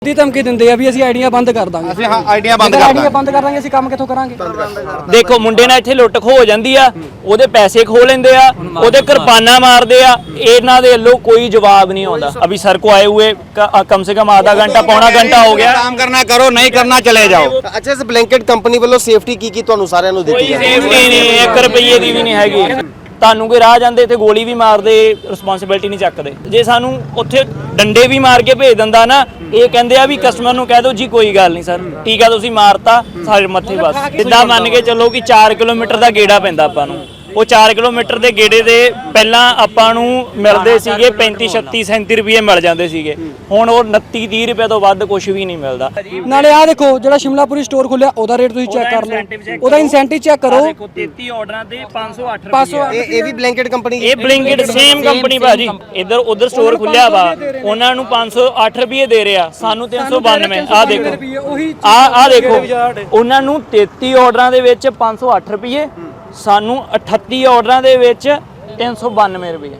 ਦੀ ਧਮਕੀ ਦਿੰਦੇ ਆ ਵੀ ਅਸੀਂ ਆਈਡੀਆਂ ਬੰਦ ਕਰ ਦਾਂਗੇ। ਅਸੀਂ ਹਾਂ ਆਈਡੀਆਂ ਬੰਦ ਕਰ ਦਾਂਗੇ ਅਸੀਂ ਕੰਮ ਕਿੱਥੋਂ ਕਰਾਂਗੇ? ਦੇਖੋ ਮੁੰਡੇ ਨਾਲ ਇੱਥੇ ਲੁੱਟ ਖੋ ਹੋ ਜਾਂਦੀ ਆ, ਉਹਦੇ ਪੈਸੇ ਖੋ ਲੈਂਦੇ ਆ, ਉਹਦੇ ਕਿਰਪਾਨਾਂ ਮਾਰਦੇ ਆ, ਇਹਨਾਂ ਦੇ ਵੱਲੋਂ ਕੋਈ ਜਵਾਬ ਨਹੀਂ ਆਉਂਦਾ। अभी सर को आए हुए कम से कम आधा घंटा पौना घंटा हो गया। काम करना करो, नहीं करना चले जाओ। अच्छा इस ब्लैंकेट कंपनी ਵੱਲੋਂ ਸੇਫਟੀ ਕੀ ਤੁਹਾਨੂੰ ਸਾਰਿਆਂ ਨੂੰ ਦਿੱਤੀ ਕੋਈ ਸੇਫਟੀ ਨਹੀਂ, 1 ਰੁਪਏ ਦੀ ਵੀ ਨਹੀਂ ਹੈਗੀ। ਤੁਹਾਨੂੰ ਕੋਈ ਰਾਹ ਜਾਂਦੇ ਤੇ ਗੋਲੀ ਵੀ ਮਾਰਦੇ, ਰਿਸਪੌਂਸਿਬਿਲਟੀ ਨਹੀਂ ਚੱਕਦੇ। ਜੇ ਸਾਨੂੰ ਉੱਥੇ ਡੰਡੇ ਵੀ ਮਾਰ ਕੇ ਭੇਜ ਦਿੰਦਾ ਨਾ, ਇਹ ਕਹਿੰਦੇ ਆ ਵੀ ਕਸਟਮਰ ਨੂੰ ਕਹਿ ਦਿਓ ਜੀ ਕੋਈ ਗੱਲ ਨਹੀਂ ਸਰ, ਠੀਕ ਆ ਤੁਸੀਂ ਮਾਰਤਾ ਸਾਡੇ ਮੱਥੇ ਬਸ। ਜਿੱਦਾਂ ਮੰਨ ਕੇ ਚੱਲੋ ਕਿ 4 ਕਿਲੋਮੀਟਰ ਦਾ ਗੇੜਾ ਪੈਂਦਾ ਆਪਾਂ ਨੂੰ, ਉਹ 4 ਕਿਲੋਮੀਟਰ ਦੇ ਗੇੜੇ ਦੇ ਪਹਿਲਾਂ ਆਪਾਂ ਨੂੰ ਮਿਲਦੇ ਸੀਗੇ 35 36 37 ਰੁਪਏ ਮਿਲ ਜਾਂਦੇ ਸੀਗੇ, ਹੁਣ ਉਹ 29 30 ਰੁਪਏ ਤੋਂ ਵੱਧ ਕੁਝ ਵੀ ਨਹੀਂ ਮਿਲਦਾ। ਨਾਲੇ ਆਹ ਦੇਖੋ ਜਿਹੜਾ ਸ਼ਿਮਲਾਪੁਰੀ ਸਟੋਰ ਖੁੱਲਿਆ ਉਹਦਾ ਰੇਟ ਤੁਸੀਂ ਚੈੱਕ ਕਰ ਲਓ, ਉਹਦਾ ਇਨਸੈਂਟਿਵ ਚੈੱਕ ਕਰੋ। ਦੇਖੋ 33 ਆਰਡਰਾਂ ਤੇ 508 ਰੁਪਏ। ਇਹ ਵੀ ਬਲੈਂਕਟ ਕੰਪਨੀ ਇਹ ਬਲਿੰਕਿਟ ਸੇਮ ਕੰਪਨੀ ਭਾਜੀ, ਇੱਧਰ ਉਧਰ ਸਟੋਰ ਖੁੱਲਿਆ ਵਾ, ਉਹਨਾਂ ਨੂੰ 508 ਰੁਪਏ ਦੇ ਰਿਹਾ, ਸਾਨੂੰ 392। ਆਹ ਦੇਖੋ ਆਹ ਦੇਖੋ, ਉਹਨਾਂ ਨੂੰ 33 ਆਰਡਰਾਂ ਦੇ ਵਿੱਚ 508 ਰੁਪਏ, ਸਾਨੂੰ 38 ਆਰਡਰਾਂ ਦੇ ਵਿੱਚ 392 ਰੁਪਏ।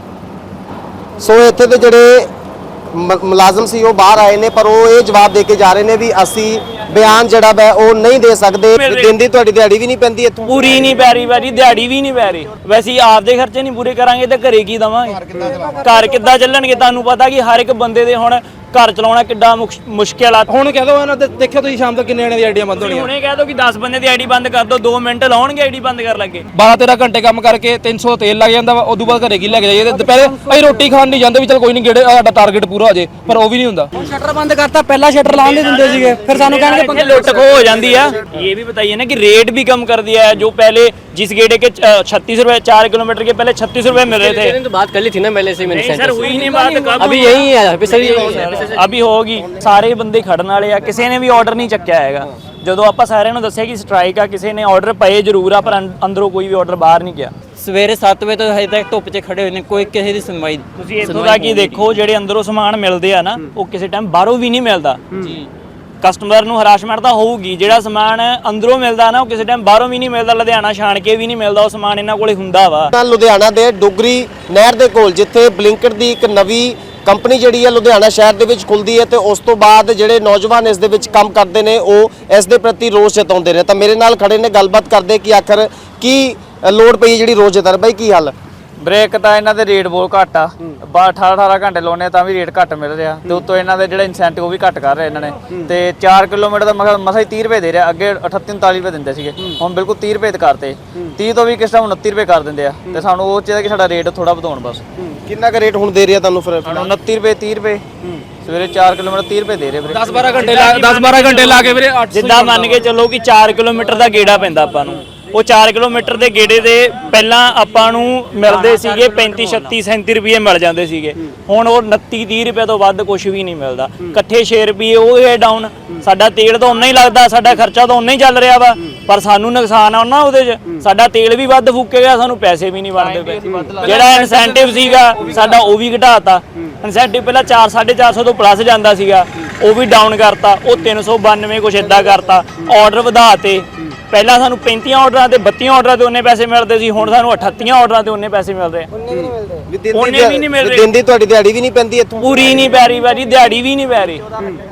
ਸੋ ਇੱਥੇ ਦੇ ਜਿਹੜੇ ਮੁਲਾਜ਼ਮ ਸੀ ਉਹ ਬਾਹਰ ਆਏ ਨੇ, ਪਰ ਉਹ ਇਹ ਜਵਾਬ ਦੇ ਕੇ ਜਾ ਰਹੇ ਨੇ ਵੀ ਅਸੀਂ ਬਿਆਨ ਜਿਹੜਾ ਵਾ ਉਹ ਨਹੀਂ ਦੇ ਸਕਦੇ। ਦਿਨ ਦੀ ਤੁਹਾਡੀ ਦਿਹਾੜੀ ਵੀ ਨਹੀਂ ਪੈਂਦੀ ਇੱਥੋਂ? ਪੂਰੀ ਨਹੀਂ ਪੈ ਰਹੀ ਭਾਜੀ, ਦਿਹਾੜੀ ਵੀ ਨਹੀਂ ਪੈ ਰਹੀ। ਵੈਸੇ ਆਪਦੇ ਖਰਚੇ ਨਹੀਂ ਪੂਰੇ ਕਰਾਂਗੇ ਤਾਂ ਘਰੇ ਕੀ ਦਵਾਂਗੇ? ਘਰ ਕਿੱਦਾਂ ਚੱਲਣਗੇ? ਤੁਹਾਨੂੰ ਪਤਾ ਕਿ ਹਰ ਇੱਕ ਬੰਦੇ ਦੇ ਹੁਣ ਘਰ ਚਲਾਉਣਾ ਕਿੱਡਾ ਮੁਸ਼ਕਿਲ ਆ। ਹੁਣ ਕਹਿ ਦੋ ਇਹਨਾਂ ਦੇ ਦੇਖਿਓ ਤੁਸੀਂ ਸ਼ਾਮ ਤੱਕ ਕਿੰਨੇ ਜਣੇ ਦੀ ਆਈਡੀਆਂ ਬੰਦ ਹੋਣੀਆਂ। ਹੁਣੇ ਕਹਿ ਦੋ ਕਿ 10 ਬੰਦੇ ਦੀ ਆਈਡੀ ਬੰਦ ਕਰ ਦੋ, 2 ਮਿੰਟ ਲਾਉਣਗੇ ਆਈਡੀ ਬੰਦ ਕਰ ਲੱਗੇ। 12-13 ਘੰਟੇ ਕੰਮ ਕਰਕੇ 300 ਤੇਲ ਲੱਗ ਜਾਂਦਾ ਵਾ, ਉਦੋਂ ਬਾਅਦ ਘਰੇ ਕੀ ਲੈ ਕੇ ਜਾਈਏ? ਦੁਪਹਿਰੇ ਅਸੀਂ ਰੋਟੀ ਖਾਣ ਨਹੀਂ ਜਾਂਦੇ ਵੀ ਚਲ ਕੋਈ ਨਹੀਂ ਗੇੜੇ ਸਾਡਾ ਟਾਰਗੇਟ ਪੂਰਾ ਹੋ ਜੇ, ਪਰ ਉਹ ਵੀ ਨਹੀਂ ਹੁੰਦਾ। ਸ਼ਟਰ ਬੰਦ ਕਰਤਾ, ਪਹਿਲਾਂ ਸ਼ਟਰ ਲਾਉਣ ਨਹੀਂ ਦਿੰਦੇ ਸੀਗੇ, ਫਿਰ ਸਾਨੂੰ ਕਹਿਣਗੇ पंखे लुट खो हो जाती है। ये भी बताइए ना कि रेट भी कम कर दिया है, जो पहले जिस गेड़े के 36 रुपए 4 किलोमीटर के पहले 36 रुपए मिल रहे थे। तो बात कर ली थी ना पहले से मैंने। नहीं सर हुई नहीं बात, कब अभी यही है, अभी होगी। ਸਾਰੇ ਬੰਦੇ ਖੜਨ ਵਾਲੇ ਆ, ਕਿਸੇ ਨੇ ਵੀ ਆਰਡਰ ਨਹੀਂ ਚੱਕਿਆ ਹੈਗਾ। ਜਦੋਂ ਆਪਾਂ ਸਾਰਿਆਂ ਨੂੰ ਦੱਸਿਆ ਕਿ ਸਟ੍ਰਾਈਕ ਆ, ਕਿਸੇ ਨੇ ਆਰਡਰ ਪਏ ਜ਼ਰੂਰ ਆ, ਪਰ ਅੰਦਰੋਂ ਕੋਈ ਵੀ ਆਰਡਰ ਬਾਹਰ ਨਹੀਂ ਗਿਆ। ਸਵੇਰੇ 7 ਵਜੇ ਤੋਂ ਹਜੇ ਤੱਕ ਧੁੱਪ 'ਚ ਖੜੇ ਹੋਏ ਨੇ, ਕੋਈ ਕਿਸੇ ਦੀ ਸੁਣਵਾਈ। ਤੁਸੀਂ ਇੱਥੋਂ ਦਾ ਕੀ ਦੇਖੋ, ਜਿਹੜੇ ਅੰਦਰੋਂ ਸਮਾਨ ਮਿਲਦੇ ਆ ਨਾ, ਉਹ ਕਿਸੇ ਟਾਈਮ ਬਾਹਰੋਂ ਵੀ ਨਹੀਂ ਮਿਲਦਾ ਜੀ। ਕਸਟਮਰ ਨੂੰ ਹਰਾਸ਼ਮੈਂਟ ਤਾਂ ਹੋਊਗੀ, ਜਿਹੜਾ ਸਮਾਨ ਅੰਦਰੋਂ ਮਿਲਦਾ ਨਾ ਉਹ ਕਿਸੇ ਟਾਈਮ ਬਾਹਰੋਂ ਵੀ ਨਹੀਂ ਮਿਲਦਾ, ਲੁਧਿਆਣਾ ਛਾਣ ਕੇ ਵੀ ਨਹੀਂ ਮਿਲਦਾ, ਉਹ ਸਮਾਨ ਇਹਨਾਂ ਕੋਲੇ ਹੁੰਦਾ ਵਾ। ਲੁਧਿਆਣਾ ਦੇ ਡੁਗਰੀ ਨਹਿਰ ਦੇ ਕੋਲ ਜਿੱਥੇ ਬਲਿੰਕਟ ਦੀ ਇੱਕ ਨਵੀਂ ਕੰਪਨੀ ਜਿਹੜੀ ਹੈ ਲੁਧਿਆਣਾ ਸ਼ਹਿਰ ਦੇ ਵਿੱਚ ਖੁੱਲਦੀ ਹੈ, ਤੇ ਉਸ ਤੋਂ ਬਾਅਦ ਜਿਹੜੇ ਨੌਜਵਾਨ ਇਸ ਦੇ ਵਿੱਚ ਕੰਮ ਕਰਦੇ ਨੇ ਉਹ ਇਸ ਦੇ ਪ੍ਰਤੀ ਰੋਸ ਜਤਾਉਂਦੇ ਨੇ। ਤਾਂ ਮੇਰੇ ਨਾਲ ਖੜੇ ਨੇ, ਗੱਲਬਾਤ ਕਰਦੇ ਕਿ ਆਖਰ ਕੀ ਲੋੜ ਪਈ ਜਿਹੜੀ ਰੋਸ ਜਤਾ ਰਹੇ। ਬਾਈ ਕੀ ਹਾਲ? ਬ੍ਰੇਕ ਤਾਂ ਇਹਨਾਂ ਦੇ ਰੇਟ ਬਹੁਤ ਘੱਟ ਆ, 18 ਘੰਟੇ ਲਾਉਣੇ ਤਾਂ ਵੀ ਰੇਟ ਘੱਟ ਮਿਲ ਰਿਹਾ, ਤੇ ਉੱਤੋਂ ਇਹਨਾਂ ਦੇ ਜਿਹੜੇ ਇਨਸੈਂਟਿਵ ਉਹ ਵੀ ਘੱਟ ਕਰ ਰਹੇ ਇਹਨਾਂ ਨੇ। ਤੇ 4 ਕਿਲੋਮੀਟਰ ਦਾ ਮਸਾ ਹੀ 30 ਰੁਪਏ ਦੇ ਰਿਹਾ, ਅੱਗੇ 38 39 ਰੁਪਏ ਦਿੰਦੇ ਸੀਗੇ, ਹੁਣ ਬਿਲਕੁਲ 30 ਰੁਪਏ ਕਰਤੇ। 30 ਤੋਂ ਵੀ ਕਿਸ ਟਾਈਮ 29 ਰੁਪਏ ਕਰ ਦਿੰਦੇ ਆ, ਤੇ ਸਾਨੂੰ ਉਹ ਚਾਹੀਦਾ ਕਿ ਸਾਡਾ ਰੇਟ ਥੋੜਾ ਵਧਾਉਣ ਬਸ। ਕਿੰਨਾ ਕੁ ਰੇਟ ਹੁਣ ਦੇ ਰਿਹਾ ਤੁਹਾਨੂੰ? ਫਿਰ 29 ਰੁਪਏ 30 ਰੁਪਏ ਸਵੇਰੇ 4 ਕਿਲੋਮੀਟਰ 30 ਰੁਪਏ ਦੇ ਰਹੇ ਵੀਰੇ। 10-12 ਘੰਟੇ ਲਾ ਕੇ ਵੀਰੇ। ਜਿੱਦਾਂ ਮੰਨ ਕੇ ਚੱਲੋ ਕਿ 4 ਕਿਲੋਮੀਟਰ ਦਾ ਗੇੜਾ ਪੈਂਦਾ ਆਪਾਂ ਨੂੰ, ਉਹ 4 ਕਿਲੋਮੀਟਰ ਦੇ ਗੇੜੇ ਦੇ ਪਹਿਲਾਂ ਆਪਾਂ ਨੂੰ ਮਿਲਦੇ ਸੀਗੇ 35 36 37 ਰੁਪਏ ਮਿਲ ਜਾਂਦੇ ਸੀਗੇ, ਹੁਣ ਉਹ 29 30 ਰੁਪਏ ਤੋਂ ਵੱਧ ਕੁਝ ਵੀ ਨਹੀਂ ਮਿਲਦਾ। ਇਕੱਠੇ 6 ਰੁਪਏ ਉਹ ਹੈ ਡਾਊਨ। ਸਾਡਾ ਤੇਲ ਤਾਂ ਉਨਾ ਹੀ ਲੱਗਦਾ, ਸਾਡਾ ਖਰਚਾ ਤਾਂ ਉਨਾ ਹੀ ਚੱਲ ਰਿਹਾ ਵਾ, ਪਰ ਸਾਨੂੰ ਨੁਕਸਾਨ ਆ ਨਾ ਉਹਦੇ 'ਚ। ਸਾਡਾ ਤੇਲ ਵੀ ਵੱਧ ਫੂਕੇਗਾ, ਸਾਨੂੰ ਪੈਸੇ ਵੀ ਨਹੀਂ ਬਣਦੇ ਪਏ। ਜਿਹੜਾ ਇਨਸੈਂਟਿਵ ਸੀਗਾ ਸਾਡਾ ਉਹ ਵੀ ਘਟਾਤਾ। ਇਨਸੈਂਟਿਵ ਪਹਿਲਾਂ 400-450 ਤੋਂ ਪਲੱਸ ਜਾਂਦਾ ਸੀਗਾ, ਉਹ ਵੀ ਡਾਊਨ ਕਰਤਾ, ਉਹ 392 ਕੁਛ ਇੱਦਾਂ ਕਰਤਾ। ਆਰਡਰ ਵਧਾਤੇ, ਪਹਿਲਾਂ ਸਾਨੂੰ 35 ਆਰਡਰਾਂ ਤੇ 32 ਆਰਡਰਾਂ ਤੇ ਉਹਨੇ ਪੈਸੇ ਮਿਲਦੇ ਸੀ, ਹੁਣ ਸਾਨੂੰ 38 ਆਰਡਰਾਂ ਤੇ ਉਹਨੇ ਪੈਸੇ ਮਿਲ ਰਹੇ। ਉਹਨੇ ਵੀ ਨਹੀਂ ਮਿਲ ਰਹੇ। ਦਿਨ ਦੀ ਤੁਹਾਡੀ ਦਿਹਾੜੀ ਵੀ ਨਹੀਂ ਪੈਂਦੀ ਇੱਥੋਂ? ਪੂਰੀ ਨਹੀਂ ਪੈ ਰਹੀ ਭਾਜੀ, ਦਿਹਾੜੀ ਵੀ ਨਹੀਂ ਪੈ ਰਹੀ।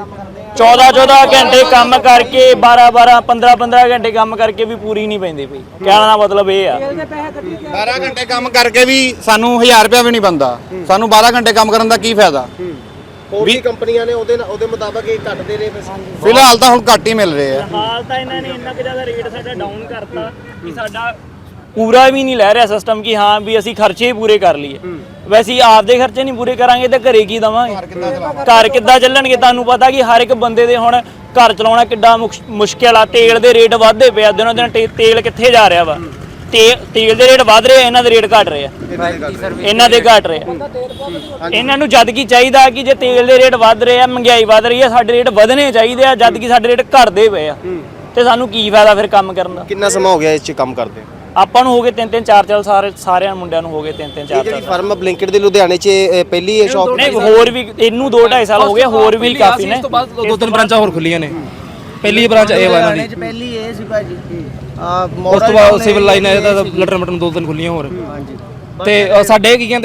14-14 ਘੰਟੇ ਕੰਮ ਕਰਕੇ, 12-12 15-15 ਘੰਟੇ ਕੰਮ ਕਰਕੇ ਵੀ ਪੂਰੀ ਨਹੀਂ ਪੈਂਦੀ ਪਈ। ਕਹਿਣ ਦਾ ਮਤਲਬ ਇਹ ਆ 12 ਘੰਟੇ ਕੰਮ ਕਰਕੇ ਵੀ ਸਾਨੂੰ 1000 ਰੁਪਇਆ ਵੀ ਨਹੀਂ ਬਣਦਾ, ਸਾਨੂੰ 12 ਘੰਟੇ ਕੰਮ ਕਰਨ ਦਾ ਕੀ ਫਾਇਦਾ? ਹੋਰ ਵੀ ਕੰਪਨੀਆਂ ਨੇ ਉਹਦੇ ਮੁਤਾਬਕ ਇਹ ਘੱਟ ਦੇ ਰਹੇ। ਫਿਲਹਾਲ ਤਾਂ ਹੁਣ ਘੱਟ ਹੀ ਮਿਲ ਰਹੇ ਆ। ਹਾਲ ਤਾਂ ਇਹਨਾਂ ਨੇ ਇੰਨਾ ਕਿ ਜ਼ਿਆਦਾ ਰੇਟ ਸਾਡਾ ਡਾਊਨ ਕਰਤਾ ਕਿ ਸਾਡਾ ਪੂਰਾ ਵੀ ਨਹੀਂ ਲੈ ਰਿਹਾ ਸਿਸਟਮ ਕਿ ਹਾਂ ਵੀ ਅਸੀਂ ਖਰਚੇ ਹੀ ਪੂਰੇ ਕਰ ਲਈਏ। ਵੈਸੇ ਆਪਦੇ ਖਰਚੇ ਨਹੀਂ ਪੂਰੇ ਕਰਾਂਗੇ ਤਾਂ ਘਰੇ ਕੀ ਦਵਾਂਗੇ? ਘਰ ਕਿੱਦਾਂ ਚੱਲਣਗੇ? ਤੁਹਾਨੂੰ ਪਤਾ ਕਿ ਹਰ ਇੱਕ ਬੰਦੇ ਦੇ ਹੁਣ ਘਰ ਚਲਾਉਣਾ ਕਿੱਡਾ ਮੁਸ਼ਕਿਲ ਆ। ਤੇਲ ਦੇ ਰੇਟ ਵੱਧਦੇ ਪਏ ਆ, ਦਿਨੋਂ ਦਿਨ ਤੇਲ ਕਿੱਥੇ ਜਾ ਰਿਹਾ ਵਾ? ਤੇਲ ਦੇ ਰੇਟ ਵੱਧ ਰਹੇ ਆ, ਇਹਨਾਂ ਦੇ ਰੇਟ ਘਟ ਰਹੇ ਆ, ਇਹਨਾਂ ਦੇ ਘਟ ਰਹੇ ਆ। ਇਹਨਾਂ ਨੂੰ ਜਦ ਕੀ ਚਾਹੀਦਾ ਕਿ ਜੇ ਤੇਲ ਦੇ ਰੇਟ ਵੱਧ ਰਹੇ ਆ, ਮਹਿੰਗਾਈ ਵੱਧ ਰਹੀ ਆ, ਸਾਡੇ ਰੇਟ ਵਧਣੇ ਚਾਹੀਦੇ ਆ, ਜਦ ਕਿ ਸਾਡੇ ਰੇਟ ਘਟਦੇ ਪਏ ਆ, ਤੇ ਸਾਨੂੰ ਕੀ ਫਾਇਦਾ ਫਿਰ ਕੰਮ ਕਰਨ ਦਾ? ਕਿੰਨਾ ਸਮਾਂ ਹੋ ਗਿਆ ਇਸ 'ਚ ਕੰਮ ਕਰਦੇ? ਆਪਾਂ ਨੂੰ ਹੋ ਗਏ 3-3 4-4 ਸਾਰਿਆਂ ਮੁੰਡਿਆਂ ਨੂੰ ਹੋ ਗਏ 3-3 4 ਜਿਹੜੀ ਫਰਮ ਬਲਿੰਕਟ ਦੇ ਲੁਧਿਆਣੇ 'ਚ ਪਹਿਲੀ ਸ਼ਾਪ? ਨਹੀਂ, ਹੋਰ ਵੀ ਇਹਨੂੰ 2-2.5 ਸਾਲ ਹੋ ਗਏ, ਹੋਰ ਵੀ ਕਾਫੀ ਨੇ। ਇਸ ਤੋਂ ਬਾਅਦ 2-3 ਬ੍ਰਾਂਚਾਂ ਹੋਰ ਖੁੱਲੀਆਂ ਨੇ। ਪਹਿਲੀ ਬ੍ਰਾਂਚ ਇਹ ਵਾ ਇਹਨਾਂ ਦੀ, ਪਹਿਲੀ ਇਹ ਸੀ ਭਾਜੀ। ਉਸ ਤੋਂ ਬਾਅਦ ਸਿਵਲ ਲਾਈਨ ਹੈ, ਇਹਦਾ ਲਟਰ ਮਟਨ 2-3 ਖੁੱਲੀਆਂ ਹੋਰ। ਤੇ ਸਾਡੇ ਕੀ ਕਹਿੰਦੇ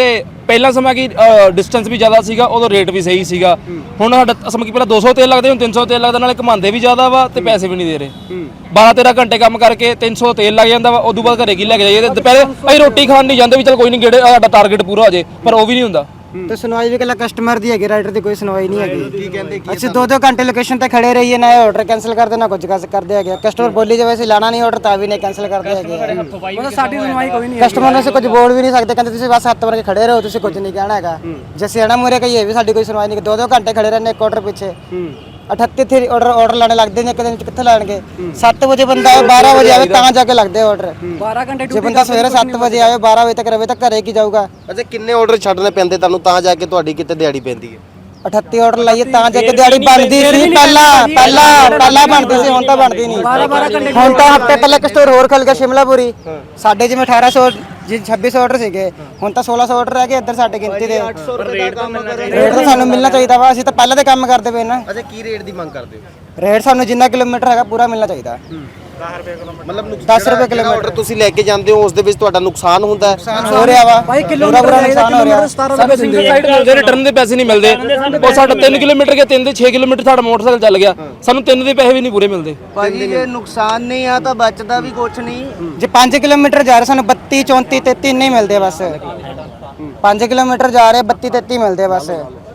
ਪਹਿਲਾਂ ਸਮਾਂ ਕੀ ਡਿਸਟੈਂਸ ਵੀ ਜ਼ਿਆਦਾ ਸੀਗਾ, ਉਦੋਂ ਰੇਟ ਵੀ ਸਹੀ ਸੀਗਾ। ਹੁਣ ਸਾਡਾ ਸਮਾਂ ਕੀ ਪਹਿਲਾਂ 200 ਤੇਲ ਲੱਗਦੇ, ਹੁਣ 300 ਤੇਲ ਲੱਗਦਾ, ਨਾਲੇ ਘਮਾਉਂਦੇ ਵੀ ਜ਼ਿਆਦਾ ਵਾ ਤੇ ਪੈਸੇ ਵੀ ਨਹੀਂ ਦੇ ਰਹੇ। 12-13 ਘੰਟੇ ਕੰਮ ਕਰਕੇ 300 ਤੇਲ ਲੱਗ ਜਾਂਦਾ ਵਾ, ਉਦੋਂ ਬਾਅਦ ਘਰੇ ਕੀ ਲੈ ਕੇ ਜਾਈਏ ਤੇ ਦੁਪਹਿਰੇ ਅਸੀਂ ਰੋਟੀ ਖਾਣ ਨਹੀਂ ਜਾਂਦੇ ਵੀ ਚਲ ਕੋਈ ਨਹੀਂ ਗੇੜੇ ਸਾਡਾ ਟਾਰਗੇਟ ਪੂਰਾ ਹੋ ਜੇ, ਪਰ ਉਹ ਵੀ ਨਹੀਂ ਹੁੰਦਾ। ਤੇ ਸੁਣਵਾਈ ਵੀ ਕੱਲਾ ਕਸਟਮਰ ਦੀ ਹੈਗੀ, ਰਾਈਡਰ ਦੀ ਕੋਈ ਸੁਣਵਾਈ ਨਹੀਂ ਹੈਗੀ। ਕੀ ਕਹਿੰਦੇ ਅਸੀਂ 2-2 ਘੰਟੇ ਲੋਕੇਸ਼ਨ ਤੇ ਖੜੇ ਰਹੀਏ, ਨਾ ਆਰਡਰ ਕੈਨਸਲ ਕਰਦੇ ਨਾ ਕੁਝ ਕਰਦੇ ਹੈਗੇ। ਕਸਟਮਰ ਬੋਲੀ ਜਾਵੇ ਅਸੀਂ ਲਾਣਾ ਨਹੀਂ ਆਰਡਰ ਤਾਂ ਵੀ ਨਹੀਂ ਕੈਨਸਲ ਕਰਦੇ ਹੈਗੇ। ਮਤਲਬ ਸਾਡੀ ਸੁਣਵਾਈ ਕੋਈ ਨਹੀਂ ਕਸਟਮਰ ਨੂੰ ਅਸੀਂ ਕੁਝ ਬੋਲ ਵੀ ਨਹੀਂ ਸਕਦੇ, ਕਹਿੰਦੇ ਤੁਸੀਂ ਬਸ ਹੱਥ ਵਰ ਕੇ ਖੜੇ ਰਹੋ, ਤੁਸੀਂ ਕੁਝ ਨਹੀਂ ਕਹਿਣਾ ਹੈਗਾ। ਜੇ ਅਸੀਂ ਆਣਾ ਮੂਰੇ ਕਹੀਏ ਵੀ ਸਾਡੀ ਕੋਈ ਸੁਣਵਾਈ ਨਹੀਂ। 2-2 ਘੰਟੇ ਖੜੇ ਰਹਿੰਦੇ ਇੱਕ ਆਰਡਰ ਪਿੱਛੇ। 38 ਥੇ ਆਰਡਰ ਲਾਣੇ ਲੱਗਦੇ ਨੇ, ਇੱਕ ਦਿਨ ਚ ਕਿੱਥੇ ਲਾਣਗੇ? 7 ਵਜੇ ਬੰਦਾ ਆਵੇ 12 ਵਜੇ ਆਵੇ ਤਾਂ ਜਾ ਕੇ ਲੱਗਦੇ ਆਰਡਰ। 12 ਘੰਟੇ ਜੇ ਬੰਦਾ ਸਵੇਰੇ 7 ਵਜੇ ਆਵੇ 12 ਵਜੇ ਤੱਕ ਰਵੇ ਤਾਂ ਘਰੇ ਕੀ ਜਾਊਗਾ? ਅੱਛਾ, ਕਿੰਨੇ ਆਰਡਰ ਛੱਡਨੇ ਪੈਂਦੇ ਤੁਹਾਨੂੰ ਤਾਂ ਜਾ ਕੇ ਤੁਹਾਡੀ ਕਿਤੇ ਦਿਹਾੜੀ ਪੈਂਦੀ ਹੈ? 38 ਆਰਡਰ ਲਾਈਏ ਤਾਂ ਜਾ ਕੇ ਦਿਹਾੜੀ ਬਣਦੀ ਸੀ। ਪਹਿਲਾਂ ਬਣਦੀ ਸੀ, ਹੁਣ ਤਾਂ ਬਣਦੀ ਨਹੀਂ। ਹੁਣ ਤਾਂ ਹਫਤੇ ਪਹਿਲੇ ਇੱਕ ਸਟੋਰ ਹੋਰ ਖੁੱਲ ਗਿਆ ਸ਼ਿਮਲਾਪੁਰੀ, ਸਾਡੇ ਜਿਵੇਂ 1800 ਜੀ 2600 ਆਰਡਰ ਸੀਗੇ, ਹੁਣ ਤਾਂ 1600 ਆਰਡਰ ਰਹਿ ਗਏ ਇੱਧਰ ਸਾਡੇ ਗਿਣਤੀ ਦੇ। ਰੇਟ ਤਾਂ ਸਾਨੂੰ ਮਿਲਣਾ ਚਾਹੀਦਾ ਵਾ, ਅਸੀਂ ਤਾਂ ਪਹਿਲਾਂ ਦੇ ਕੰਮ ਕਰਦੇ ਪਏ ਨਾ। ਅੱਛਾ, ਕੀ ਰੇਟ ਦੀ ਮੰਗ ਕਰਦੇ ਹੋ? ਰੇਟ ਸਾਨੂੰ ਜਿੰਨਾ ਕਿਲੋਮੀਟਰ ਹੈਗਾ ਪੂਰਾ ਮਿਲਣਾ ਚਾਹੀਦਾ। ਮਤਲਬ 10 ਰੁਪਏ ਕਿਲੋਮੀਟਰ ਆਰਡਰ ਤੁਸੀਂ ਲੈ ਕੇ ਜਾਂਦੇ ਹੋ, ਉਸ ਦੇ ਵਿੱਚ ਤੁਹਾਡਾ ਨੁਕਸਾਨ ਹੁੰਦਾ ਹੈ? ਹੋ ਰਿਹਾ ਵਾ ਭਾਈ, ਕਿਲੋਮੀਟਰ ਦਾ ਨੁਕਸਾਨ ਹੋ ਰਿਹਾ। ਸਾਨੂੰ ਸਿੰਗਲ ਸਾਈਡ ਮਿਲਦੇ, ਰਿਟਰਨ ਦੇ ਪੈਸੇ ਨਹੀਂ ਮਿਲਦੇ। ਉਹ ਸਾਡਾ 3 ਕਿਲੋਮੀਟਰ ਗਿਆ, 3 ਦੇ 6 ਕਿਲੋਮੀਟਰ ਸਾਡਾ ਮੋਟਰਸਾਈਕਲ ਚੱਲ ਗਿਆ, ਸਾਨੂੰ 3 ਦੇ ਪੈਸੇ ਵੀ ਨਹੀਂ ਪੂਰੇ ਮਿਲਦੇ। ਭਾਜੀ ਜੇ ਨੁਕਸਾਨ ਨਹੀਂ ਆ ਤਾਂ ਬਚਦਾ ਵੀ ਕੁਛ ਨਹੀਂ। ਜੇ 5 ਕਿਲੋਮੀਟਰ ਜਾ ਰਹੇ ਸਾਨੂੰ 32 34 33 ਨਹੀਂ ਮਿਲਦੇ ਬਸ। 5 ਕਿਲੋਮੀਟਰ ਜਾ ਰਹੇ 32 33 ਮਿਲਦੇ ਬਸ,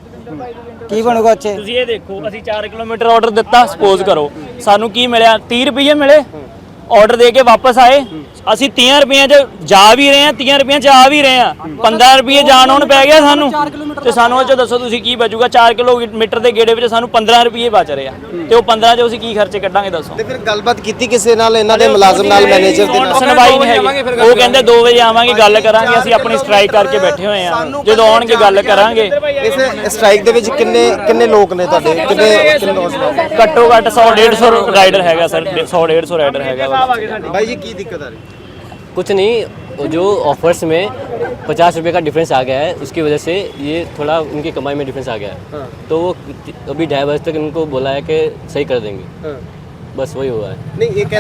ਕੀ ਬਣੂਗਾ ਉੱਥੇ? ਤੁਸੀਂ ਇਹ ਦੇਖੋ, ਅਸੀਂ 4 ਕਿਲੋਮੀਟਰ ਆਰਡਰ ਦਿੱਤਾ, ਸਪੋਜ਼ ਕਰੋ ਸਾਨੂੰ ਕੀ ਮਿਲਿਆ? 30 ਰੁਪਏ ਮਿਲੇ। ਆਰਡਰ ਦੇ ਕੇ ਵਾਪਸ ਆਏ, ਅਸੀਂ 30 ਰੁਪਏ 'ਚ ਜਾ ਵੀ ਰਹੇ ਹਾਂ, 30 ਰੁਪਏ 'ਚ ਆ ਵੀ ਰਹੇ ਹਾਂ, 15 ਰੁਪਏ ਜਾਣ ਆਉਣ ਪੈ ਗਿਆ ਸਾਨੂੰ। ਤੇ ਸਾਨੂੰ ਉਹ 'ਚ ਦੱਸੋ ਤੁਸੀਂ ਕੀ ਬਚੂਗਾ? 4 ਕਿਲੋਮੀਟਰ ਦੇ ਗੇੜੇ ਵਿੱਚ ਸਾਨੂੰ 15 ਰੁਪਏ ਬਚ ਰਹੇ ਆ, ਤੇ ਉਹ 15 'ਚ ਅਸੀਂ ਕੀ ਖਰਚੇ ਕੱਢਾਂਗੇ ਦੱਸੋ? ਤੇ ਫਿਰ ਗੱਲਬਾਤ ਕੀਤੀ ਕਿਸੇ ਨਾਲ, ਇਹਨਾਂ ਦੇ ਮੁਲਾਜ਼ਮ ਨਾਲ, ਮੈਨੇਜਰ ਦੇ ਨਾਲ? ਸੁਣਵਾਈ ਨਹੀਂ ਹੈਗੀ। ਉਹ ਕਹਿੰਦੇ 2 ਵਜੇ ਆਵਾਂਗੇ, ਗੱਲ ਕਰਾਂਗੇ। ਅਸੀਂ ਆਪਣੀ ਸਟ੍ਰਾਈਕ ਕਰਕੇ ਬੈਠੇ ਹੋਏ ਆ, ਜਦੋਂ ਆਉਣਗੇ ਗੱਲ ਕਰਾਂਗੇ। ਇਸ ਸਟ੍ਰਾਈਕ ਦੇ ਵਿੱਚ ਕਿੰਨੇ ਲੋਕ ਨੇ ਤੁਹਾਡੇ? ਕਿੰਨੇ ਨੌਜਵਾਨ? ਘੱਟੋ ਘੱਟ 100-150 ਰਾਈਡਰ ਹੈਗਾ ਸਰ, 100-150 ਰਾਈਡਰ ਹੈਗਾ। भाई जी की दिक्कत आ रही है? कुछ नहीं, जो ऑफर्स में 50 रुपये का डिफरेंस आ गया है, उसकी वजह से ये थोड़ा उनकी कमाई में डिफरेंस आ गया है। तो वो अभी 2:30 बजे तक इनको बोला है कि सही कर देंगे, बस वही हुआ है। नहीं, ये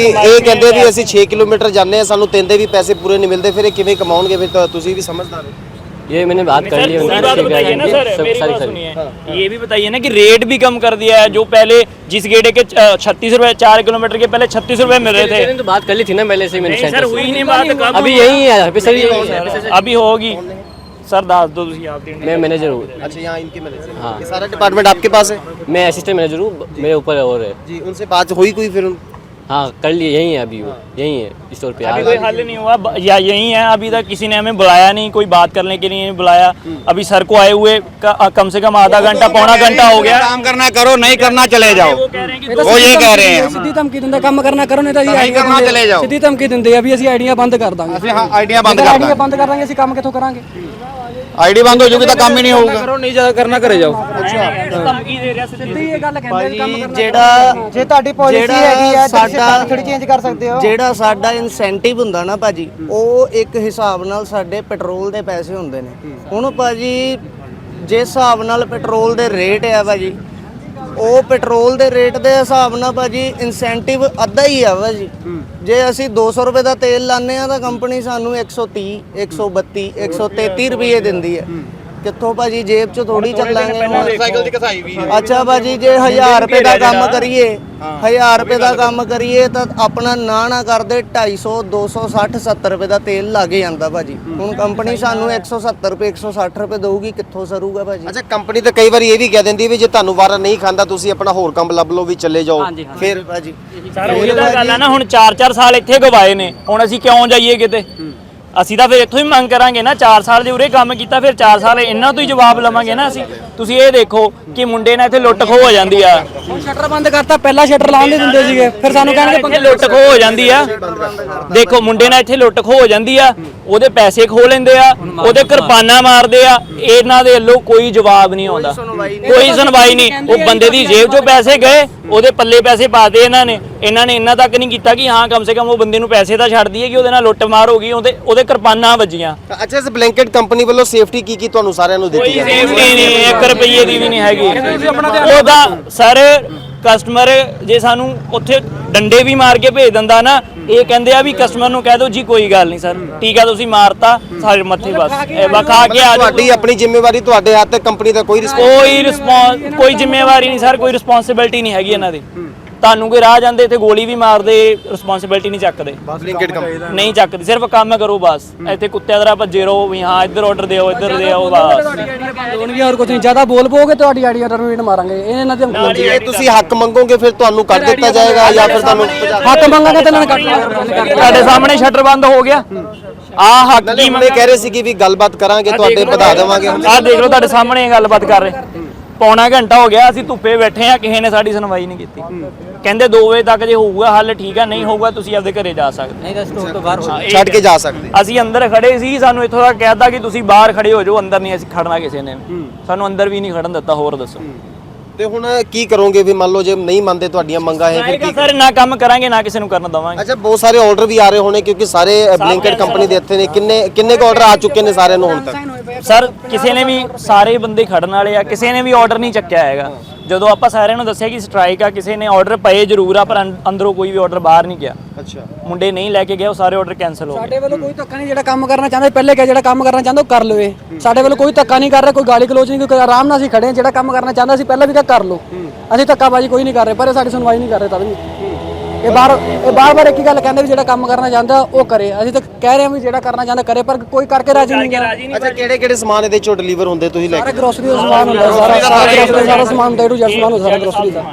कहते भी ਅਸੀਂ 6 ਕਿਲੋਮੀਟਰ ਜਾਂਦੇ ਆ, ਸਾਨੂੰ 3 ਦੇ ਵੀ ਪੈਸੇ ਪੂਰੇ ਨਹੀਂ ਮਿਲਦੇ, ਫਿਰ ਇਹ ਕਿਵੇਂ ਕਮਾਉਣਗੇ? ਫਿਰ ਤਾਂ ਤੁਸੀਂ भी समझदार हो। ये मैंने बात कर ली है पूरी बात बताइए ना सर, मेरी सारी बात सुनिए। ये भी बताइए ना कि रेट भी कम कर दिया है। जो पहले जिस गेड़े के 36 रुपए 4 किलोमीटर के पहले 36 रुपए मिल रहे थे। तो बात कर ली थी ना पहले से ही मैंने। नहीं सर, हुई नहीं बात, कम अभी यही है, अभी सर यही है, अभी होगी सर। दस दो ਤੁਸੀਂ ਆਪ मैं मैनेजर हूँ। अच्छा, यहाँ इनके मैनेजर? हाँ। ये सारा डिपार्टमेंट आपके पास है? मैं असिस्टेंट मैनेजर हूँ, मेरे ऊपर और है जी। उनसे बात हुई कोई फिर? हाँ, कर लिए, यही है अभी, वो यही है स्टोर पे। अभी कोई हल नहीं हुआ या यही है? अभी तक किसी ने हमें बुलाया नहीं, कोई बात करने के लिए नहीं बुलाया। अभी सर को आए हुए कम से कम आधा घंटा पौना घंटा हो गया। काम करना करो, नहीं करना चले जाओ, वो ये कह रहे हैं। ਸਿੱਧੀ ਧਮਕੀ ਦਿੰਦੇ ਕੰਮ ਕਰਨਾ ਕਰੋ, ਨਹੀਂ ਤਾਂ ਅਸੀਂ ਨਹੀਂ ਕਰਨਾ ਚਲੇ ਜਾਓ। ਸਿੱਧੀ ਧਮਕੀ ਦਿੰਦੇ ਆ ਵੀ ਅਸੀਂ ਆਈਡੀਆਂ ਬੰਦ ਕਰ ਦਾਂਗੇ। ਅਸੀਂ ਹਾਂ ਆਈਡੀਆਂ ਬੰਦ ਕਰ ਆਈਡੀਆਂ ਦਾਂਗੇ। ਬੰਦ ਕਰ ਦਾਂਗੇ, ਅਸੀਂ ਕੰਮ ਕਿੱਥੋਂ ਕਰਾਂਗੇ? ਆਈਡੀ ਬੰਦ ਹੋ ਜੂਗੀ ਤਾਂ ਕੰਮ ਹੀ ਨਹੀਂ ਹੋਊਗਾ। ਕਰੋ, ਨਹੀਂ ਜ਼ਿਆਦਾ ਕਰਨਾ, ਘਰੇ ਜਾਓ। ਧਮਕੀ ਦੇ ਰਿਹਾ ਸਿੱਧੀ ਇਹ ਗੱਲ ਕਹਿੰਦੇ ਵੀ ਕੰਮ ਕਰਨਾ। ਜਿਹੜਾ ਜੇ ਤੁਹਾਡੀ ਪਾਲਿਸੀ ਹੈਗੀ ਆ ਤਾਂ ਤੁਸੀਂ ਸਾਡਾ ਥੋੜੀ ਚੇਂਜ ਕਰ ਸਕਦੇ ਹੋ। ਜਿਹੜਾ ਸਾਡਾ ਇਨਸੈਂਟਿਵ ਹੁੰਦਾ ਨਾ ਭਾਜੀ, ਉਹ ਇੱਕ ਹਿਸਾਬ ਨਾਲ ਸਾਡੇ ਪੈਟਰੋਲ ਦੇ ਪੈਸੇ ਹੁੰਦੇ ਨੇ। ਹੁਣ ਭਾਜੀ ਜਿਸ ਹਿਸਾਬ ਨਾਲ ਪੈਟਰੋਲ ਦੇ ਰੇਟ ਆ ਭਾਜੀ, ਉਹ ਪੈਟਰੋਲ ਦੇ ਰੇਟ ਦੇ ਹਿਸਾਬ ਨਾਲ ਭਾਜੀ ਇਨਸੈਂਟਿਵ ਅੱਧਾ ਹੀ ਆ ਭਾਜੀ। ਜੇ ਅਸੀਂ 200 ਰੁਪਏ ਦਾ ਤੇਲ ਲਾਉਂਦੇ ਆ ਤਾਂ ਕੰਪਨੀ ਸਾਨੂੰ 130 132 133 ਰੁਪਏ ਦਿੰਦੀ ਹੈ। ਕਿੱਥੋਂ ਭਾਜੀ? ਜੇਬ 'ਚ ਥੋੜੀ ਚੱਲਾਂਗੇ। ਮੋਟਰਸਾਈਕਲ ਦੀ ਕਸਾਈ ਵੀ ਹੈ। ਅੱਛਾ ਭਾਜੀ, ਜੇ 1000 ਰੁਪਏ ਦਾ ਕੰਮ ਕਰੀਏ, 1000 ਰੁਪਏ ਦਾ ਕੰਮ ਕਰੀਏ ਤਾਂ ਆਪਣਾ ਨਾ ਕਰਦੇ 250 260 70 ਰੁਪਏ ਦਾ ਤੇਲ ਲੱਗ ਜਾਂਦਾ ਭਾਜੀ। ਹੁਣ ਕੰਪਨੀ ਸਾਨੂੰ 170 ਰੁਪਏ 160 ਰੁਪਏ ਦਊਗੀ, ਕਿੱਥੋਂ ਸਰੂਗਾ ਭਾਜੀ? ਅੱਛਾ, ਕੰਪਨੀ ਤਾਂ ਕਈ ਵਾਰੀ ਇਹ ਵੀ ਕਹਿ ਦਿੰਦੀ ਹੈ ਵੀ ਜੇ ਤੁਹਾਨੂੰ ਵਾਰਾ ਨਹੀਂ ਖਾਂਦਾ ਤੁਸੀਂ ਆਪਣਾ ਹੋਰ ਕੰਮ ਲੱਭ ਲਓ, ਵੀ ਚੱਲੇ ਜਾਓ। ਫਿਰ ਭਾਜੀ ਸਰ ਉਹੀ ਤਾਂ ਗੱਲ ਆ ਨਾ, ਹੁਣ 4-4 ਸਾਲ ਇੱਥੇ ਗਵਾਏ ਨੇ, ਹੁਣ ਅਸੀਂ ਕਿਉਂ ਜਾਈਏ ਕਿਤੇ? ਅਸੀਂ ਤਾਂ ਫਿਰ ਇੱਥੋਂ ਹੀ ਮੰਗ ਕਰਾਂਗੇ ਨਾ। 4 ਸਾਲ ਦੇ ਉਰੇ ਕੰਮ ਕੀਤਾ, ਫਿਰ 4 ਸਾਲ ਇਹਨਾਂ ਤੋਂ ਹੀ ਜਵਾਬ ਲਵਾਂਗੇ ਨਾ ਅਸੀਂ। ਤੁਸੀਂ ਇਹ ਦੇਖੋ ਕਿ ਮੁੰਡੇ ਨਾਲ ਇੱਥੇ ਲੁੱਟ ਖੋਹ ਹੋ ਜਾਂਦੀ ਆ। ਸ਼ਟਰ ਬੰਦ ਕਰਤਾ, ਪਹਿਲਾਂ ਸ਼ਟਰ ਲਾਉਣ ਨਹੀਂ ਦਿੰਦੇ ਸੀਗੇ, ਫਿਰ ਸਾਨੂੰ ਕਹਿਣਗੇ ਇੱਥੇ ਲੁੱਟ ਖੋਹ ਹੋ ਜਾਂਦੀ ਆ। ਦੇਖੋ ਮੁੰਡੇ ਨਾਲ ਇੱਥੇ ਲੁੱਟ ਖੋਹ ਹੋ ਜਾਂਦੀ ਆ, ਉਹਦੇ ਪੈਸੇ ਖੋਹ ਲੈਂਦੇ ਆ, ਉਹਦੇ ਕਿਰਪਾਨਾਂ ਮਾਰਦੇ ਆ। ਇਹਨਾਂ ਦੇ ਵੱਲੋਂ ਕੋਈ ਜਵਾਬ ਨਹੀਂ ਆਉਂਦਾ, ਕੋਈ ਸੁਣਵਾਈ ਨਹੀਂ। ਉਹ ਬੰਦੇ ਦੀ ਜੇਬ 'ਚੋਂ ਪੈਸੇ ਗਏ, ਉਹਦੇ ਪੱਲੇ ਪੈਸੇ ਪਾਤੇ ਇਹਨਾਂ ਨੇ ਇੰਨਾ ਤੱਕ ਨਹੀਂ ਕੀਤਾ ਕਿ ਹਾਂ ਕਮ ਸੇ ਕਮ ਉਹ ਬੰਦੇ ਨੂੰ ਪੈਸੇ ਤਾਂ ਛੱਡ ਦਈਏ ਕਿ ਉਹਦੇ ਨਾਲ ਲੁੱਟ ਮਾਰ ਹੋ ਗਈ, ਉਹਦੇ ਕਿਰਪਾਨਾਂ ਵੱਜੀਆਂ। ਅੱਛਾ, ਇਸ ਬਲੈਂਕਟ ਕੰਪਨੀ ਵੱਲੋਂ ਸੇਫਟੀ ਕੀ ਤੁਹਾਨੂੰ ਸਾਰਿਆਂ ਨੂੰ ਦਿੱਤੀ ਕੋਈ ਜਾਂਦੀ ਹੈ? ਸੇਫਟੀ ਨਹੀਂ, 1 ਰੁਪਏ ਦੀ ਵੀ ਨਹੀਂ ਹੈਗੀ। ਉਹਦਾ ਸਰ ਕਸਟਮਰ ਜੇ ਸਾਨੂੰ ਉੱਥੇ ਡੰਡੇ ਵੀ ਮਾਰ ਕੇ ਭੇਜ ਦਿੰਦਾ ਨਾ, ਇਹ ਕਹਿੰਦੇ ਆ ਵੀ ਕਸਟਮਰ ਨੂੰ ਕਹਿ ਦਿਓ ਜੀ ਕੋਈ ਗੱਲ ਨਹੀਂ ਸਰ, ਟੀਕਾ ਤੁਸੀਂ ਮਾਰਤਾ ਸਾਡੇ ਮੱਥੇ ਬਸ ਖਾ ਕੇ ਆ ਤੁਹਾਡੀ ਆਪਣੀ ਜ਼ਿੰਮੇਵਾਰੀ ਤੁਹਾਡੇ ਹੱਥ ਤੇ, ਕੰਪਨੀ ਦਾ ਕੋਈ ਕੋਈ ਜ਼ਿੰਮੇਵਾਰੀ ਨਹੀਂ ਸਰ, ਕੋਈ ਰਿਸਪੌਂਸਿਬਿਲਟੀ ਨਹੀਂ ਹੈਗੀ ਇਹਨਾਂ ਦੀ। ਤੁਹਾਨੂੰ ਕੋਈ ਰਾਹ ਜਾਂਦੇ ਤੇ ਗੋਲੀ ਵੀ ਮਾਰਦੇ, ਰਿਸਪੌਂਸਿਬਿਲਟੀ ਨਹੀਂ ਚੱਕਦੇ, ਬਲਿੰਕਿਟ ਕੰਪਨੀ ਨਹੀਂ ਚੱਕਦੀ, ਸਿਰਫ ਕੰਮ ਕਰੋ ਬਸ। ਇੱਥੇ ਕੁੱਤਿਆਂ ਤਰ੍ਹਾਂ ਭੱਜੇ ਰਹੋ ਵੀ ਹਾਂ ਇੱਧਰ ਆਰਡਰ ਦਿਓ ਇੱਧਰ ਦਿਓ ਬਸ। ਹੋਣਗੇ ਹੋਰ ਕੁਝ ਨਹੀਂ, ਜ਼ਿਆਦਾ ਬੋਲ ਪੋਗੇ ਤੁਹਾਡੀ ਆਈਡੀ ਟਰਮੀਨੇਟ ਮਾਰਾਂਗੇ ਇਹਨਾਂ ਦੇ। ਜੇ ਤੁਸੀਂ ਹੱਕ ਮੰਗੋਗੇ ਫਿਰ ਤੁਹਾਨੂੰ ਕੱਢ ਦਿੱਤਾ ਜਾਏਗਾ ਜਾਂ ਫਿਰ ਤੁਹਾਨੂੰ ਹੱਕ ਮੰਗਾਂਗੇ ਤੇ ਇਹਨਾਂ ਨੇ ਕੱਟ ਤੁਹਾਡੇ ਸਾਹਮਣੇ ਸ਼ਟਰ ਬੰਦ ਹੋ ਗਿਆ। ਆਹ ਹੱਕ ਨਾਲੇ ਕੀ ਹੁਣੇ ਕਹਿ ਰਹੇ ਸੀ ਕਿ ਵੀ ਗੱਲਬਾਤ ਕਰਾਂਗੇ, ਤੁਹਾਡੇ ਵਧਾ ਦੇਵਾਂਗੇ। ਆਹ ਦੇਖ ਲਓ ਤੁਹਾਡੇ ਸਾਹਮਣੇ ਇਹ ਗੱਲਬਾਤ ਕਰ ਰਹੇ। ਪੌਣਾ ਘੰਟਾ ਹੋ ਗਿਆ ਅਸੀਂ ਧੁੱਪੇ ਬੈਠੇ ਆ, ਕਿਸੇ ਨੇ ਸਾਡੀ ਸੁਣਵਾਈ ਨਹੀਂ ਕੀਤੀ। ਕਹਿੰਦੇ 2 ਵਜੇ ਤੱਕ ਜੇ ਹੋਊਗਾ ਹੱਲ ਠੀਕ ਆ, ਨਹੀਂ ਹੋਊਗਾ ਤੁਸੀਂ ਆਪਦੇ ਘਰੇ ਜਾ ਸਕਦੇ। ਨਹੀਂ ਤਾਂ ਸਟੋਰ ਤੋਂ ਬਾਹਰ ਛੱਡ ਕੇ ਜਾ ਸਕਦੇ। ਅਸੀਂ ਅੰਦਰ ਖੜੇ ਸੀ, ਸਾਨੂੰ ਇੱਥੋਂ ਤੱਕ ਕਹਿਤਾ ਕਿ ਤੁਸੀਂ ਬਾਹਰ ਖੜੇ ਹੋ ਜਾਓ, ਅੰਦਰ ਨਹੀਂ ਅਸੀਂ ਖੜਨਾ ਕਿਸੇ ਨੇ। ਸਾਨੂੰ ਅੰਦਰ ਵੀ ਨਹੀਂ ਖੜਨ ਦਿੱਤਾ। ਹੋਰ ਦੱਸੋ ਤੇ ਹੁਣ ਕੀ ਕਰੋਗੇ ਵੀ ਮੰਨ ਲਓ ਜੇ ਨਹੀਂ ਮੰਨਦੇ ਤੁਹਾਡੀਆਂ ਮੰਗਾਂ ਇਹ ਫਿਰ ਕੀ? ਸਰ ਨਾ ਕੰਮ ਕਰਾਂਗੇ ਨਾ ਕਿਸੇ ਨੂੰ ਕਰਨ ਦਵਾਂਗੇ। ਅੱਛਾ, ਬਹੁਤ ਸਾਰੇ ਆਰਡਰ ਵੀ ਆ ਰਹੇ ਹੋਣੇ ਕਿਉਂਕਿ ਸਾਰੇ ਬਲਿੰਕਿਟ ਕੰਪਨੀ ਦੇ ਇੱਥੇ ਨੇ। ਕਿੰਨੇ ਕੁ ਆਰਡਰ ਆ ਚੁੱਕੇ ਨੇ ਸਾਰਿਆਂ ਨੂੰ ਹੁਣ ਤੱਕ? ਸਰ ਕਿਸੇ ਨੇ ਵੀ, ਸਾਰੇ ਬੰਦੇ ਖੜਨ ਵਾਲੇ ਆ, ਕਿਸੇ ਨੇ ਵੀ ਆਰਡਰ ਨਹੀਂ ਚੱਕਿਆ ਹੈਗਾ। ਜਦੋਂ ਆਪਾਂ ਸਾਰਿਆਂ ਨੂੰ ਦੱਸਿਆ ਕਿ ਸਟ੍ਰਾਈਕ ਆ, ਕਿਸੇ ਨੇ ਆਰਡਰ ਪਏ ਜ਼ਰੂਰ ਆ ਪਰ ਅੰਦਰੋਂ ਕੋਈ ਵੀ ਆਰਡਰ ਬਾਹਰ ਨਹੀਂ ਗਿਆ। ਅੱਛਾ, ਮੁੰਡੇ ਨਹੀਂ ਲੈ ਕੇ ਗਏ, ਉਹ ਸਾਰੇ ਆਰਡਰ ਕੈਨਸਲ ਹੋ ਗਏ। ਸਾਡੇ ਵੱਲੋਂ ਕੋਈ ਧੱਕਾ ਨਹੀਂ, ਜਿਹੜਾ ਕੰਮ ਕਰਨਾ ਚਾਹੁੰਦਾ ਪਹਿਲੇ ਕਿਹਾ ਜਿਹੜਾ ਕੰਮ ਕਰਨਾ ਚਾਹੁੰਦਾ ਉਹ ਕਰ ਲਵੇ। ਸਾਡੇ ਵੱਲੋਂ ਕੋਈ ਧੱਕਾ ਨਹੀਂ ਕਰ ਰਿਹਾ, ਕੋਈ ਗਾਲੀ ਗਲੋਚ ਨਹੀਂ, ਕੋਈ ਆਰਾਮ ਨਾਲ ਅਸੀਂ ਖੜੇ ਹਾਂ। ਜਿਹੜਾ ਕੰਮ ਕਰਨਾ ਚਾਹੁੰਦਾ ਸੀ ਪਹਿਲਾਂ ਵੀ ਕਿਹਾ ਕਰ ਲਓ, ਅਸੀਂ ਧੱਕਾਬਾਜੀ ਕੋਈ ਨਹੀਂ ਕਰ ਰਹੇ, ਪਰ ਇਹ ਸਾਡੀ ਸੁਣਵਾਈ ਨਹੀਂ ਕਰ ਰਹੇ। ਤਦ ਵੀ ਇਹ ਬਾਰ-ਬਾਰ ਇੱਕ ਹੀ ਗੱਲ ਕਹਿੰਦੇ ਵੀ ਜਿਹੜਾ ਕੰਮ ਕਰਨਾ ਚਾਹੁੰਦਾ ਉਹ ਕਰੇ। ਅਸੀਂ ਤਾਂ ਕਹਿ ਰਹੇ ਹਾਂ ਵੀ ਜਿਹੜਾ ਕਰਨਾ ਚਾਹੁੰਦਾ ਕਰੇ, ਪਰ ਕੋਈ ਕਰਕੇ ਰਾਜੀ ਨਹੀਂ ਹੈ। ਅੱਛਾ, ਕਿਹੜੇ ਸਮਾਨ ਇਹਦੇ ਚੋਂ ਡਿਲੀਵਰ ਹੁੰਦੇ ਤੁਸੀਂ ਲੈ ਕੇ? ਗਰੋਸਰੀ ਦਾ ਸਮਾਨ ਹੁੰਦਾ, ਸਾਰਾ ਸਮਾਨ ਦਾ ਏ ਸਮਾਨ ਹੁੰਦਾ, ਸਾਰਾ ਗਰੋਸਰੀ ਦਾ।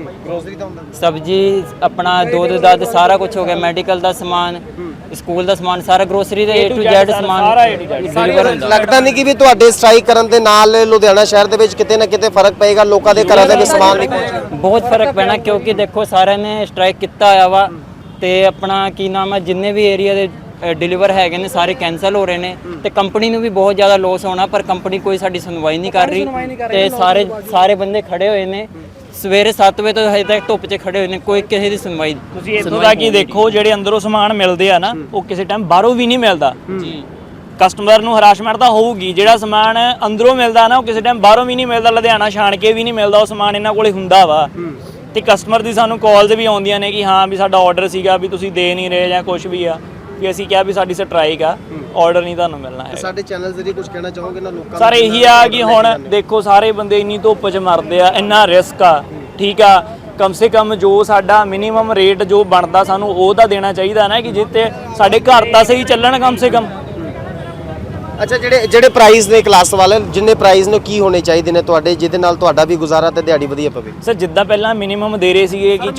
ਸਬਜ਼ੀ ਆਪਣਾ ਦੁੱਧ ਦੱਧ ਸਾਰਾ ਕੁਝ ਹੋ ਗਿਆ, ਮੈਡੀਕਲ ਦਾ ਸਮਾਨ, ਸਕੂਲ ਦਾ ਸਮਾਨ, ਸਾਰਾ ਗਰੋਸਰੀ ਦਾ A to Z ਸਮਾਨ ਡਿਲੀਵਰ ਹੁੰਦਾ। ਲੱਗਦਾ ਨਹੀਂ ਕਿ ਵੀ ਤੁਹਾਡੇ ਸਟ੍ਰਾਈਕ ਕਰਨ ਦੇ ਨਾਲ ਲੁਧਿਆਣਾ ਸ਼ਹਿਰ ਦੇ ਵਿੱਚ ਕਿਤੇ ਨਾ ਕਿਤੇ ਫਰਕ ਪਏਗਾ, ਲੋਕਾਂ ਦੇ ਘਰਾਂ ਦੇ ਵਿੱਚ ਸਮਾਨ ਨਹੀਂ ਪਹੁੰਚੇਗਾ? ਬਹੁਤ ਫਰਕ ਪੈਣਾ, ਕਿਉਂਕਿ ਦੇਖੋ ਸਾਰਿਆਂ ਨੇ ਸਟ੍ਰਾਈਕ ਕੀਤਾ ਹੋਇਆ ਵਾ ਤੇ ਆਪਣਾ ਕੀ ਨਾਮ ਹੈ, ਜਿੰਨੇ ਵੀ ਏਰੀਆ ਦੇ ਡਿਲੀਵਰ ਹੈਗੇ ਨੇ ਸਾਰੇ ਕੈਨਸਲ ਹੋ ਰਹੇ ਨੇ ਤੇ ਕੰਪਨੀ ਨੂੰ ਵੀ ਬਹੁਤ ਜ਼ਿਆਦਾ ਲੋਸ ਹੋਣਾ, ਪਰ ਕੰਪਨੀ ਕੋਈ ਸਾਡੀ ਸੁਣਵਾਈ ਨਹੀਂ ਕਰ ਰਹੀ ਤੇ ਸਾਰੇ ਬੰਦੇ ਖੜੇ ਹੋਏ ਨੇ ਸਵੇਰੇ 7 ਵਜੇ ਤੋਂ ਹਜੇ ਤੱਕ ਧੁੱਪ 'ਚ ਖੜੇ ਹੋਏ ਨੇ, ਕੋਈ ਕਿਸੇ ਦੀ ਸੁਣਵਾਈ। ਤੁਸੀਂ ਇੱਥੋਂ ਤੱਕ ਹੀ ਦੇਖੋ ਜਿਹੜੇ ਅੰਦਰੋਂ ਸਮਾਨ ਮਿਲਦੇ ਆ ਨਾ, ਉਹ ਕਿਸੇ ਟਾਈਮ ਬਾਹਰੋਂ ਵੀ ਨਹੀਂ ਮਿਲਦਾ ਜੀ। ਕਸਟਮਰ ਨੂੰ ਹਰਾਸਮੈਂਟ ਤਾਂ ਹੋਊਗੀ, ਜਿਹੜਾ ਸਮਾਨ ਅੰਦਰੋਂ ਮਿਲਦਾ ਨਾ ਉਹ ਕਿਸੇ ਟਾਈਮ ਬਾਹਰੋਂ ਵੀ ਨਹੀਂ ਮਿਲਦਾ, ਲੁਧਿਆਣਾ ਛਾਣ ਕੇ ਵੀ ਨਹੀਂ ਮਿਲਦਾ, ਉਹ ਸਮਾਨ ਇਹਨਾਂ ਕੋਲੇ ਹੁੰਦਾ ਵਾ। ਤੇ ਕਸਟਮਰ ਦੀ ਸਾਨੂੰ ਕਾਲਸ ਵੀ ਆਉਂਦੀਆਂ ਨੇ ਕਿ ਹਾਂ ਵੀ ਸਾਡਾ ਆਰਡਰ ਸੀਗਾ ਵੀ ਤੁਸੀਂ ਦੇ ਨਹੀਂ ਰਹੇ ਜਾਂ ਕੁਝ ਵੀ ਆ, ਵੀ ਅਸੀਂ ਕਿਹਾ ਵੀ ਸਾਡੀ ਸਟ੍ਰਾਈਕ ਆ, ਆਰਡਰ ਨਹੀਂ ਤੁਹਾਨੂੰ ਮਿਲਣਾ ਹੈ। ਸਾਡੇ ਚੈਨਲ ਜ਼ਰੀਏ ਕੁਝ ਕਹਿਣਾ ਚਾਹੋਗੇ ਨਾ ਲੋਕਾਂ ਨੂੰ? ਸਰ ਇਹੀ ਆ ਕਿ ਹੁਣ ਦੇਖੋ ਸਾਰੇ ਬੰਦੇ ਇੰਨੀ ਧੁੱਪ 'ਚ ਮਰਦੇ ਆ, ਇੰਨਾ ਰਿਸਕ ਆ, ਠੀਕ ਆ। ਕਮ ਸੇ ਕਮ ਜੋ ਸਾਡਾ ਮਿਨੀਮਮ ਰੇਟ ਜੋ ਬਣਦਾ ਸਾਨੂੰ ਉਹ ਤਾਂ ਦੇਣਾ ਚਾਹੀਦਾ ਨਾ, ਕਿ ਜਿੱਤੇ ਸਾਡੇ ਘਰ ਤਾਂ ਸਹੀ ਚੱਲਣ ਕਮ ਸੇ ਕਮ। ਅੱਛਾ, ਜਿਹੜੇ ਪ੍ਰਾਈਸ ਨੇ ਕਲਾਸ ਵਾਲੇ, ਜਿੰਨੇ ਪ੍ਰਾਈਸ ਨੇ ਕੀ ਹੋਣੇ ਚਾਹੀਦੇ ਨੇ ਤੁਹਾਡੇ, ਜਿਹਦੇ ਨਾਲ ਤੁਹਾਡਾ ਵੀ ਗੁਜ਼ਾਰਾ ਤੇ ਦਿਹਾੜੀ ਵਧੀਆ ਪਵੇ? ਸਰ ਜਿੱਦਾਂ ਪਹਿਲਾਂ ਮਿਨੀਮਮ ਦੇ ਰਹੇ ਸੀਗੇ ਕਿ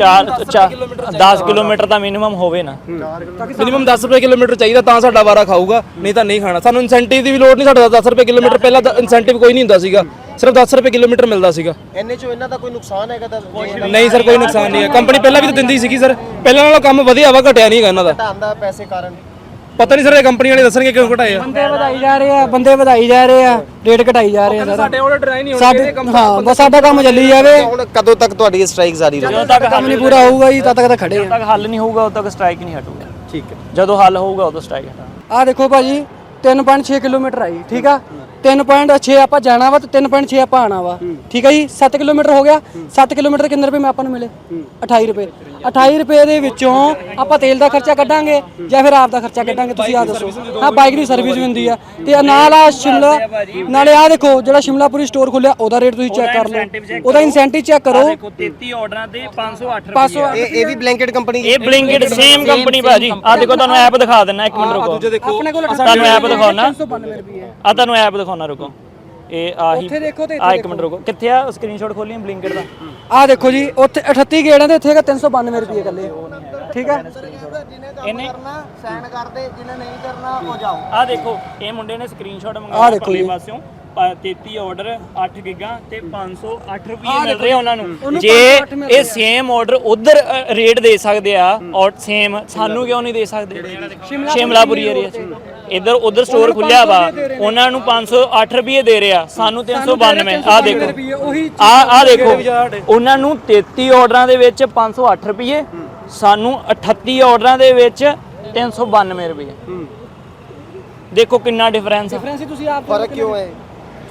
10 ਕਿਲੋਮੀਟਰ ਤਾਂ ਮਿਨੀਮਮ ਹੋਵੇ ਨਾ, ਮਿਨੀਮਮ 10 ਰੁਪਏ ਕਿਲੋਮੀਟਰ ਚਾਹੀਦਾ ਤਾਂ ਸਾਡਾ ਵਾਰਾ ਖਾਊਗਾ, ਨਹੀਂ ਤਾਂ ਨਹੀਂ ਖਾਣਾ। ਸਾਨੂੰ ਇਨਸੈਂਟਿਵ ਦੀ ਵੀ ਲੋੜ ਨਹੀਂ, ਸਾਡਾ 10 ਰੁਪਏ ਕਿਲੋਮੀਟਰ ਪਹਿਲਾਂ ਇਨਸੈਂਟਿਵ ਕੋਈ ਨਹੀਂ ਹੁੰਦਾ ਸੀਗਾ, ਸਿਰਫ 10 ਰੁਪਏ ਕਿਲੋਮੀਟਰ ਮਿਲਦਾ ਸੀਗਾ। ਇੰਨੇ ਚੋਂ ਇਹਨਾਂ ਦਾ ਕੋਈ ਨੁਕਸਾਨ ਹੈਗਾ ਤਾਂ? ਨਹੀਂ ਸਰ, ਕੋਈ ਨੁਕਸਾਨ ਨਹੀਂ ਹੈ, ਕੰਪਨੀ ਪਹਿਲਾਂ ਵੀ ਤਾਂ ਦਿੰਦੀ ਸੀਗੀ ਸਰ, ਪਹਿਲਾਂ ਨਾਲੋਂ ਕੰਮ ਵਧੀਆ ਵਾ, ਘਟਿਆ ਨਹੀਂ ਹੈਗਾ ਇਹਨਾਂ ਦਾ। ਘਟਾਉਂਦਾ ਪੈਸੇ ਕਾਰਨ ਪਤਾ ਨਹੀਂ ਸਰ, ਇਹ ਕੰਪਨੀ ਵਾਲੇ ਦੱਸਣਗੇ ਕਿਉਂ ਘਟਾਏ ਆ। ਬੰਦੇ ਵਧਾਈ ਜਾ ਰਹੇ ਆ, ਰੇਟ ਘਟਾਈ ਜਾ ਰਹੇ ਆ ਸਰ। ਸਾਡੇ ਆਰਡਰ ਟਰਾਈ ਨਹੀਂ ਸਾਡੇ ਹਾਂ ਬਸ ਸਾਡਾ ਕੰਮ ਚੱਲੀ ਜਾਵੇ, ਹੁਣ ਕਦੋਂ ਤੱਕ ਤੁਹਾਡੀ ਸਟ੍ਰਾਈਕ ਜਾਰੀ ਰਹੇਗੀ? ਜਦੋਂ ਤੱਕ ਕੰਮ ਨਹੀਂ ਪੂਰਾ ਹੋਊਗਾ ਜੀ ਤਦ ਤੱਕ ਤਾਂ ਖੜੇ ਜਦੋਂ ਤੱਕ ਹੱਲ ਨਹੀਂ ਹੋਊਗਾ ਉਦੋਂ ਤੱਕ ਸਟ੍ਰਾਈਕ ਨਹੀਂ ਹਟੂਗਾ। ਠੀਕ ਹੈ, ਜਦੋਂ ਹੱਲ ਹੋਊਗਾ ਉਦੋਂ ਸਟ੍ਰਾਈਕ ਹਟਾਂਗੇ। ਆ ਦੇਖੋ ਭਾਜੀ 3.6 ਕਿਲੋਮੀਟਰ ਆਈ, ਠੀਕ ਆ। 3.6 ਆਪਾਂ ਜਾਣਾ ਵਾ ਤੇ 3.6 ਆਪਾਂ ਆਣਾ ਵਾ, ਠੀਕ ਆ ਜੀ। 7 ਕਿਲੋਮੀਟਰ ਹੋ ਗਿਆ। 7 ਕਿਲੋਮੀਟਰ ਕਿੰਨੇ ਰੁਪਏ ਮੈਂ ਆਪਾਂ ਨੂੰ ਮਿਲੇ? 28 ਰੁਪਏ। 28 ਰੁਪਏ ਦੇ ਵਿੱਚੋਂ ਆਪਾਂ ਤੇਲ ਦਾ ਖਰਚਾ ਕੱਢਾਂਗੇ ਜਾਂ ਫਿਰ ਆਪ ਦਾ ਖਰਚਾ ਕੱਢਾਂਗੇ, ਤੁਸੀਂ ਆ ਦੱਸੋ। ਹਾਂ, ਬਾਈਕ ਦੀ ਸਰਵਿਸ ਵੀ ਹੁੰਦੀ ਆ ਤੇ ਨਾਲ ਆ ਸ਼ਿਮਲਾ, ਨਾਲੇ ਆ ਦੇਖੋ ਜਿਹੜਾ ਸ਼ਿਮਲਾਪੁਰੀ ਸਟੋਰ ਖੁੱਲਿਆ ਉਹਦਾ ਰੇਟ ਤੁਸੀਂ ਚੈੱਕ ਕਰ ਲਓ, ਉਹਦਾ ਇਨਸੈਂਟਿਵ ਚੈੱਕ ਕਰੋ। ਦੇਖੋ 33 ਆਰਡਰਾਂ ਤੇ 508 ਰੁਪਏ। ਇਹ ਵੀ ਬਲੈਂਕਟ ਕੰਪਨੀ? ਇਹ ਬਲਿੰਕਿਟ ਸੇਮ ਕੰਪਨੀ ਭਾਜੀ। ਆ ਦੇਖੋ ਤੁਹਾਨੂੰ ਐਪ ਦਿਖਾ ਦਿੰਨਾ, ਇੱਕ ਮਿੰਟ ਰੁਕੋ, ਆਪਣੇ ਕੋਲ ਤੁਹਾਨੂੰ ਐਪ ਦਿਖਾਉਣਾ, 392 ਰੁਪਏ। ਆ ਤੁਹਾਨੂੰ ਐਪ ਦਿਖਾਉਣਾ, ਰੁਕੋ। ਇਹ ਆਹੀ ਉੱਥੇ ਦੇਖੋ ਤੇ ਆ ਇੱਕ ਮਿੰਟ ਰੁਕੋ, ਕਿੱਥੇ ਆ ਸਕਰੀਨਸ਼ਾਟ ਖੋਲੀ ਬਲਿੰਕਿਟ ਦਾ? ਆ ਦੇਖੋ ਜੀ, ਉੱਥੇ 38 ਗੇੜਾਂ ਦੇ ਇੱਥੇ ਹੈਗਾ 392 ਰੁਪਏ ਇਕੱਲੇ, ਠੀਕ ਆ। ਇਹਨੇ ਸਾਈਨ ਕਰਦੇ, ਜਿਹਨੇ ਨਹੀਂ ਕਰਨਾ ਉਹ ਜਾਓ। ਆ ਦੇਖੋ ਇਹ ਮੁੰਡੇ ਨੇ ਸਕਰੀਨਸ਼ਾਟ ਮੰਗਾਇਆ ਪਰਲੇ ਪਾਸਿਓਂ, 33 ਆਰਡਰ 8 ਗਿਗਾ ਤੇ 508 ਰੁਪਏ ਮਿਲ ਰਹੇ ਉਹਨਾਂ ਨੂੰ। ਜੇ ਇਹ ਸੇਮ ਆਰਡਰ ਉਧਰ ਰੇਟ ਦੇ ਸਕਦੇ ਆ ਔਰ ਸੇਮ ਸਾਨੂੰ ਕਿਉਂ ਨਹੀਂ ਦੇ ਸਕਦੇ? ਸ਼ਿਮਲਾਪੁਰੀ ਏਰੀਆ 'ਚ ਇੱਧਰ ਉਧਰ ਸਟੋਰ ਖੁੱਲਿਆ ਵਾ, ਉਹਨਾਂ ਨੂੰ 508 ਰੁਪਏ ਦੇ ਰਿਹਾ, ਸਾਨੂੰ 392। ਆ ਦੇਖੋ, ਆ ਦੇਖੋ, ਉਹਨਾਂ ਨੂੰ 33 ਆਰਡਰਾਂ ਦੇ ਵਿੱਚ 508 ਰੁਪਏ, ਸਾਨੂੰ 38 ਆਰਡਰਾਂ ਦੇ ਵਿੱਚ 392 ਰੁਪਏ। ਦੇਖੋ ਕਿੰਨਾ ਡਿਫਰੈਂਸ ਆ। ਤੁਸੀਂ ਆਪ ਫਰਕ ਕਿਉਂ ਹੈ?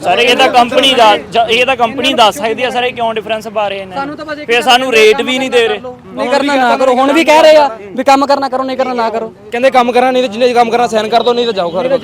ਸਰ ਇਹ ਤਾਂ ਕੰਪਨੀ ਦਾ ਇਹ ਤਾਂ ਕੰਪਨੀ ਦੱਸ ਸਕਦੀ ਆ ਸਰ ਇਹ ਕਿਉਂ ਡਿਫਰੈਂਸ ਪਾ ਰਹੇ ਨੇ ਫਿਰ ਸਾਨੂੰ ਰੇਟ ਵੀ ਨਹੀਂ ਦੇ ਰਹੇ ਨਹੀਂ ਕਰਨਾ ਨਾ ਕਰੋ, ਹੁਣ ਵੀ ਕਹਿ ਰਹੇ ਆ ਵੀ ਕੰਮ ਕਰਨਾ ਕਰੋ, ਨਹੀਂ ਕਰਨਾ ਨਾ ਕਰੋ। ਕਹਿੰਦੇ ਕੰਮ ਕਰਾਂ ਨਹੀਂ ਤੇ ਜਿੰਨੇ ਕੰਮ ਕਰਾਂ ਸਾਈਨ ਕਰ ਦੋ, ਨਹੀਂ ਤਾਂ ਜਾਓ ਘਰ।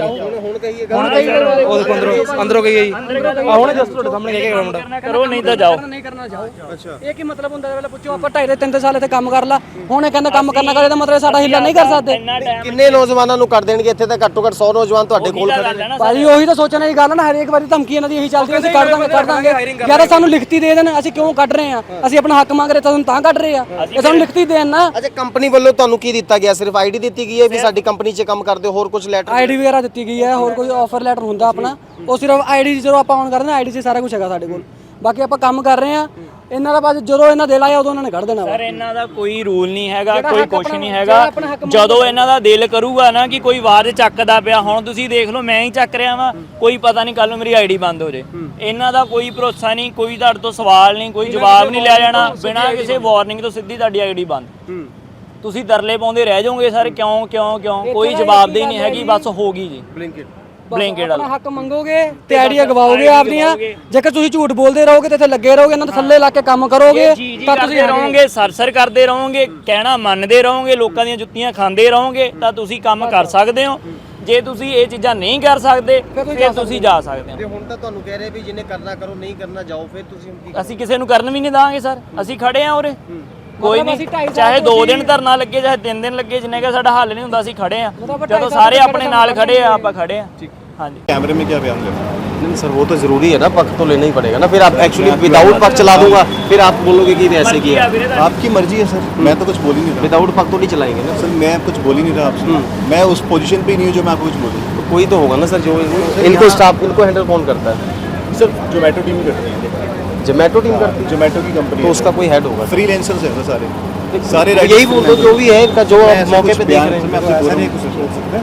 ਹੁਣ ਉਹ ਦੇਖੋ ਅੰਦਰੋਂ ਗਈ ਜੀ ਆ ਹੁਣ ਜਸਟ ਤੁਹਾਡੇ ਸਾਹਮਣੇ ਕਹਿ ਕੇ ਮੁੰਡਾ ਕਰੋ ਨਹੀਂ ਤਾਂ ਜਾਓ। ਨਹੀਂ ਕਰਨਾ ਜਾਓ। ਅੱਛਾ ਇਹ ਕੀ ਮਤਲਬ ਹੁੰਦਾ? ਪਹਿਲਾਂ ਪੁੱਛੋ ਆਪਾਂ 2.5 ਸਾਲ ਇੱਥੇ ਕੰਮ ਕਰ ਲਾ, ਹੁਣ ਇਹ ਕਹਿੰਦਾ ਕੰਮ ਕਰਨਾ ਕਰੇ ਤਾਂ ਮਤਲਬ ਸਾਡਾ ਹਿੱਲਾ ਨਹੀਂ ਕਰ ਸਕਦੇ। ਕਿੰਨੇ ਨੌਜਵਾਨਾਂ ਨੂੰ ਕਰ ਦੇਣਗੇ ਇੱਥੇ? ਤਾਂ ਘੱਟੋ ਘੱਟ 100 ਨੌਜਵਾਨ ਤੁਹਾਡੇ ਕੋਲ ਖੜੇ ਨੇ। ਭਾਜੀ ਉਹੀ ਤਾਂ ਸੋਚਣ ਵਾਲੀ ਗੱਲ ਨਾ, ਹਰੇਕ ਵਾਰੀ ਧਮਕੀ ਇਹਨਾਂ ਦੀ ਇਹੀ ਚੱਲਦੀ ਹੈ, ਅਸੀਂ ਕੱਢ ਦਾਂਗੇ ਯਾਰ ਸਾਨੂੰ ਲਿਖਤੀ ਦੇ ਦੇਣ, ਅਸੀਂ ਕਿਉਂ ਕੱਢ ਰਹੇ ਆ? ਅਸੀਂ ਆਪਣਾ ਹੱਕ ਮੰਗ ਰਹੇ ਤਾਂ ਤਾਂ ਕੱਢ ਰਹੇ ਆ, ਇਹ ਸਾਨੂੰ ਲਿਖਤੀ ਦੇਣ ਨਾ। ਅੱਛਾ ਕੰਪਨੀ ਵੱਲੋਂ ਤੁਹਾਨੂੰ ਕੀ ਦਿੱਤਾ ਗਿਆ? ਸਿਰਫ ਆਈਡੀ ਦਿੱਤੀ ਗਈ ਹੈ ਵੀ ਸਾਡੀ ਕੰਪਨੀ 'ਚ ਕੰਮ ਕਰਦੇ ਹੋ, ਹੋਰ ਕੁਝ ਲੈਟਰ? ਆਈਡੀ ਵਗੈਰਾ ਦਿੱਤੀ ਗਈ ਹੈ, ਹੋਰ ਕੋਈ ਆਫਰ ਲੈਟਰ ਹੁੰਦਾ ਆਪਣਾ, ਉਹ ਸਿਰਫ ਆਈਡੀ ਜਦੋਂ ਆਪਾਂ ਔਨ ਕਰਦੇ ਹਾਂ ਆਈਡੀ 'ਚ ਸਾਰਾ ਕੁਝ ਹੈਗਾ ਸਾਡੇ ਕੋਲ। ਬਾਕੀ ਆਪਾਂ ਕੰਮ ਕਰ ਰਹੇ ਆ, ਇਹਨਾਂ ਦਾ ਬਾਅਦ ਜਦੋਂ ਇਹਨਾਂ ਦਿਲ ਆਇਆ ਉਦੋਂ ਇਹਨਾਂ ਨੇ ਕੱਢ ਦੇਣਾ। ਸਰ ਇਹਨਾਂ ਦਾ ਕੋਈ ਰੂਲ ਨਹੀਂ ਹੈਗਾ, ਕੋਈ ਕੁਛ ਨਹੀਂ ਹੈਗਾ। ਜਦੋਂ ਇਹਨਾਂ ਦਾ ਦਿਲ ਕਰੂਗਾ ਨਾ ਕਿ ਕੋਈ ਆਵਾਜ਼ ਚੱਕਦਾ ਪਿਆ, ਹੁਣ ਤੁਸੀਂ ਦੇਖ ਲਓ ਮੈਂ ਹੀ ਚੱਕ ਰਿਹਾ ਵਾਂ, ਕੋਈ ਪਤਾ ਨਹੀਂ ਕੱਲ ਨੂੰ ਮੇਰੀ ਆਈਡੀ ਬੰਦ ਹੋ ਜੇ। ਇਹਨਾਂ ਦਾ ਕੋਈ ਭਰੋਸਾ ਨਹੀਂ, ਕੋਈ ਤੁਹਾਡੇ ਤੋਂ ਸਵਾਲ ਨਹੀਂ, ਕੋਈ ਜਵਾਬ ਨਹੀਂ ਲਿਆ ਜਾਣਾ, ਬਿਨਾਂ ਕਿਸੇ ਵਾਰਨਿੰਗ ਤੋਂ ਸਿੱਧੀ ਤੁਹਾਡੀ ਆਈਡੀ ਬੰਦ। ਤੁਸੀਂ ਤਰਲੇ ਪਾਉਂਦੇ ਰਹਿ ਜਾਓਗੇ ਸਰ, ਕਿਉਂ ਕਿਉਂ ਕਿਉਂ, ਕੋਈ ਜਵਾਬਦੇਹੀ ਨਹੀਂ ਹੈਗੀ, ਬਸ ਹੋ ਗਈ ਜੀ। ਬਲਿੰਕਟ ਆਪਣਾ ਹੱਕ ਮੰਗੋਗੇ ਤੇ ਆਈਡੀਆ ਗਵਾਓਗੇ ਆਪਦੀਆਂ। ਜੇਕਰ ਤੁਸੀਂ ਝੂਠ ਬੋਲਦੇ ਰਹੋਗੇ ਤੇ ਇੱਥੇ ਲੱਗੇ ਰਹੋਗੇ, ਇਹਨਾਂ ਦੇ ਥੱਲੇ ਲਾ ਕੇ ਕੰਮ ਕਰੋਗੇ ਤਾਂ ਤੁਸੀਂ ਰਹੋਗੇ, ਸਰਸਰ ਕਰਦੇ ਰਹੋਗੇ, ਕਹਿਣਾ ਮੰਨਦੇ ਰਹੋਗੇ, ਲੋਕਾਂ ਦੀਆਂ ਜੁੱਤੀਆਂ ਖਾਂਦੇ ਰਹੋਗੇ, ਤਾਂ ਤੁਸੀਂ ਕੰਮ ਕਰ ਸਕਦੇ ਹੋ। ਜੇ ਤੁਸੀਂ ਇਹ ਚੀਜ਼ਾਂ ਨਹੀਂ ਕਰ ਸਕਦੇ ਫਿਰ ਤੁਸੀਂ ਜਾ ਸਕਦੇ ਹੋ। ਤੇ ਹੁਣ ਤਾਂ ਤੁਹਾਨੂੰ ਕਹਿ ਰਹੇ ਵੀ ਜਿਹਨੇ ਕਰਨਾ ਕਰੋ, ਨਹੀਂ ਕਰਨਾ ਜਾਓ, ਫਿਰ ਤੁਸੀਂ ਅਸੀਂ ਕਿਸੇ ਨੂੰ ਕਰਨ ਵੀ ਨਹੀਂ ਦਾਂਗੇ ਸਰ, ਅਸੀਂ ਖੜੇ ਆ ਉਰੇ, ਕੋਈ ਨਹੀਂ, ਚਾਹੇ 2 ਦਿਨ ਧਰਨਾ ਲੱਗੇ ਚਾਹੇ 3 ਦਿਨ ਲੱਗੇ, ਜਿੰਨੇ ਕਿ ਸਾਡਾ ਹੱਲ ਨਹੀਂ ਹੁੰਦਾ ਅਸੀਂ ਖੜੇ ਆ। ਜਦੋਂ ਸਾਰੇ ਆਪਣੇ ਨਾਲ ਖੜੇ ਆ ਆਪਾਂ ਖੜੇ ਆ। ਹਾਂਜੀ कैमरे में क्या बयान लेना? नहीं सर वो तो जरूरी है ना, पक्ष तो लेना ही पड़ेगा ना। फिर आप एक्चुअली विदाउट पक्ष चला दूंगा, फिर आप बोलोगे कि ऐसे किया। आपकी मर्जी है सर, मैं तो कुछ बोल ही नहीं रहा। विदाउट पक्ष तो नहीं चलाएंगे ना सर मैं कुछ बोल ही नहीं रहा आपसे, मैं उस पोजीशन पे ही नहीं हूँ जो मैं आपको कुछ बोलूँ। तो कोई तो होगा ना सर जो इनको स्टाफ, इनको हैंडल कौन करता है? सर जोमेटो टीम करती है, जोमेटो टीम करती है, जोमेटो की कंपनी, तो उसका कोई हेड होगा? फ्रीलांसर्स है सर सारे तो यही बोल दो जो भी है इनका, जो मौके पे देख रहे हैं। मैं आपसे बोल नहीं कुछ बोल सकते,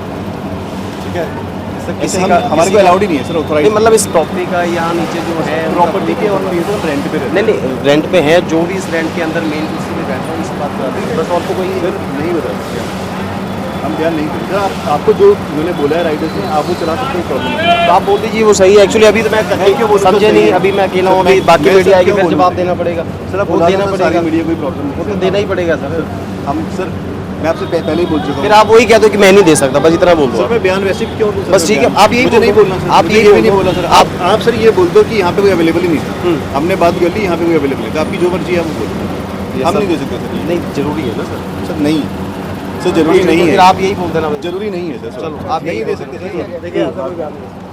ठीक है? ऐसे हमारे को अलाउड ही नहीं है सर ऑथराइज। मतलब इस प्रॉपर्टी का यहाँ नीचे जो है प्रॉपर्टी के और रेंट पे रहते हैं। नहीं रेंट पे है, जो भी इस रेंट के अंदर मेन कुर्सी में बैठा है इस बात का बस, और तो कोई सर नहीं बता सकते हम, बयान नहीं करते। सर आपको जो उन्होंने बोला है राइडर से आप वो चला सकते हो, प्रॉब्लम नहीं। तो आप बोल दीजिए वो सही है। एक्चुअली अभी तो मैं समझे नहीं, अभी मैं अकेला हूँ, अभी बाकी मीडिया आएगी फिर जवाब देना पड़ेगा। सर आप वो देना पड़ेगा, मीडिया कोई प्रॉब्लम वो नहीं, तो देना ही पड़ेगा सर। हम सर मैं आपसे पहले ही बोल चुका हूँ। फिर आप वही कह दो कि मैं नहीं दे सकता, बस इतना बोल दो। सर मैं बयान वैसे भी क्यों दूं? बस ठीक है, आप यही मुझे नहीं बोलना सर, आप ये यही भी नहीं बोला सर। आप सर ये बोल दो कि यहाँ पे कोई अवेलेबल ही नहीं था, हमने बात कर ली, यहाँ पे कोई अवेलेबल है, तो आपकी जो मर्जी है आप बोलो, हम नहीं दे सकते सर। नहीं जरूरी है ना सर? सर नहीं सर, जरूरी नहीं है। फिर आप यही बोल देना, जरूरी नहीं है सर। चलो आप नहीं दे सकते सर।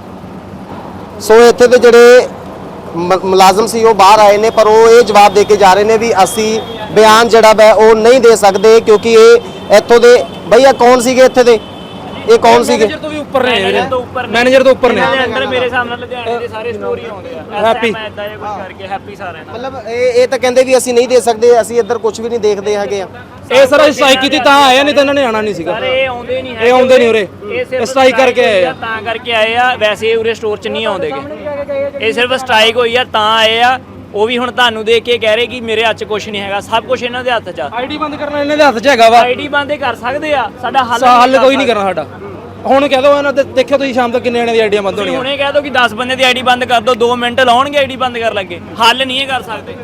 ਸੋ ਇੱਥੇ ਦੇ ਜਿਹੜੇ ਮੁਲਾਜ਼ਮ ਸੀ ਉਹ ਬਾਹਰ ਆਏ ਨੇ, ਪਰ ਉਹ ਇਹ ਜਵਾਬ ਦੇ ਕੇ ਜਾ ਰਹੇ ਨੇ ਵੀ ਅਸੀਂ ਬਿਆਨ ਜਿਹੜਾ ਹੈ ਉਹ ਨਹੀਂ ਦੇ ਸਕਦੇ, ਕਿਉਂਕਿ ਇਹ ਇੱਥੋਂ ਦੇ ਭਈਆ ਕੌਣ ਸੀਗੇ ਇੱਥੇ ਦੇ, ਇਹ ਕੌਣ ਸੀਗੇ? ਮੈਨੇਜਰ ਤੋਂ ਵੀ ਉੱਪਰ ਨੇ, ਮੈਨੇਜਰ ਤੋਂ ਉੱਪਰ ਨੇ, ਮੈਨੇਜਰ ਤੋਂ ਉੱਪਰ ਨੇ। ਇਹਨਾਂ ਦੇ ਅੰਦਰ ਮੇਰੇ ਸਾਹਮਣੇ ਲੁਧਿਆਣੇ ਦੇ ਸਾਰੇ ਸਟੋਰੀ ਆਉਂਦੇ ਆ, ਹੈਪੀ ਇਦਾਂ ਇਹ ਕੁਝ ਕਰਕੇ ਹੈਪੀ ਸਾਰਿਆਂ ਨਾਲ। ਮਤਲਬ ਇਹ ਤਾਂ ਕਹਿੰਦੇ ਵੀ ਅਸੀਂ ਨਹੀਂ ਦੇ ਸਕਦੇ, ਅਸੀਂ ਇੱਧਰ ਕੁਝ ਵੀ ਨਹੀਂ ਦੇਖਦੇ ਹੈਗੇ ਆ। ਇਹ ਸਰ ਸਟ੍ਰਾਈਕ ਕੀਤੀ ਤਾਂ ਆਇਆ, ਨਹੀਂ ਤਾਂ ਇਹਨਾਂ ਨੇ ਆਣਾ ਨਹੀਂ ਸੀਗਾ। ਸਰ ਇਹ ਆਉਂਦੇ ਨਹੀਂ ਇਹ ਆਉਂਦੇ ਨਹੀਂ ਉਰੇ, ਸਿਰਫ ਸਟ੍ਰਾਈਕ ਕਰਕੇ ਆਏ ਆ। ਤਾਂ ਕਰਕੇ ਆਏ ਆ, ਵੈਸੇ ਇਹ ਉਰੇ ਸਟੋਰ 'ਚ ਨਹੀਂ ਆਉਂਦੇਗੇ। ਇਹ ਸਿਰਫ ਸਟ੍ਰਾਈਕ ਹੋਈ ਆ ਤਾਂ ਆਏ ਆ। ਉਹ ਵੀ ਹੁਣ ਤੁਹਾਨੂੰ ਦੇਖ ਕੇ ਕਹਿ ਰਹੇ ਕਿ ਮੇਰੇ ਹੱਥ 'ਚ ਕੁਝ ਨਹੀਂ ਹੈਗਾ, ਸਭ ਕੁਝ ਇਹਨਾਂ ਦੇ ਹੱਥ 'ਚ ਆ। ਆਈਡੀ ਬੰਦ ਕਰਨਾ ਇਹਨਾਂ ਦੇ ਹੱਥ 'ਚ ਹੈਗਾ ਵਾ। ਆਈਡੀ ਬੰਦ ਕਰ ਸਕਦੇ ਆ, ਸਾਡਾ ਹੱਲ ਕੋਈ ਨਹੀਂ ਕਰਨਾ ਸਾਡਾ। ਹੁਣ ਕਹਿ ਦੋ ਇਹਨਾਂ ਦੇ, ਦੇਖਿਓ ਤੁਸੀਂ ਸ਼ਾਮ ਤੱਕ ਕਿੰਨੇ ਜਣੇ ਦੀ ਆਈਡੀਆਂ ਬੰਦ ਹੋਣੀਆਂ। ਹੁਣੇ ਕਹਿ ਦੋ ਕਿ 10 ਬੰਦੇ ਦੀ ਆਈਡੀ ਬੰਦ ਕਰ ਦੋ, 2 ਮਿੰਟ ਲਾਉਣਗੇ ਆਈਡੀ ਬੰਦ ਕਰ ਲੱਗੇ, ਹੱਲ ਨਹੀਂ ਇਹ ਕਰ ਸਕਦੇ।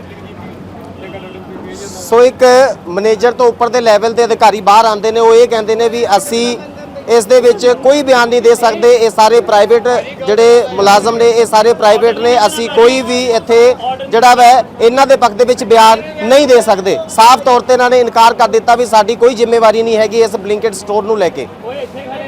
ਸੋ ਇੱਕ ਮੈਨੇਜਰ ਤੋਂ ਉੱਪਰ ਦੇ ਲੈਵਲ ਦੇ ਅਧਿਕਾਰੀ ਬਾਹਰ ਆਉਂਦੇ ਨੇ, ਉਹ ਇਹ ਕਹਿੰਦੇ ਨੇ ਵੀ ਅਸੀਂ ਇਸ ਦੇ ਵਿੱਚ ਕੋਈ ਬਿਆਨ ਨਹੀਂ ਦੇ ਸਕਦੇ, ਇਹ ਸਾਰੇ ਪ੍ਰਾਈਵੇਟ ਜਿਹੜੇ ਮੁਲਾਜ਼ਮ ਨੇ ਇਹ ਸਾਰੇ ਪ੍ਰਾਈਵੇਟ ਨੇ, ਅਸੀਂ ਕੋਈ ਵੀ ਇੱਥੇ ਜਿਹੜਾ ਵੈ ਇਹਨਾਂ ਦੇ ਪੱਖ ਦੇ ਵਿੱਚ ਬਿਆਨ ਨਹੀਂ ਦੇ ਸਕਦੇ। ਸਾਫ਼ ਤੌਰ ਤੇ ਇਹਨਾਂ ਨੇ ਇਨਕਾਰ ਕਰ ਦਿੱਤਾ ਵੀ ਸਾਡੀ ਕੋਈ ਜ਼ਿੰਮੇਵਾਰੀ ਨਹੀਂ ਹੈਗੀ ਇਸ ਬਲਿੰਕਟ ਸਟੋਰ ਨੂੰ ਲੈ ਕੇ।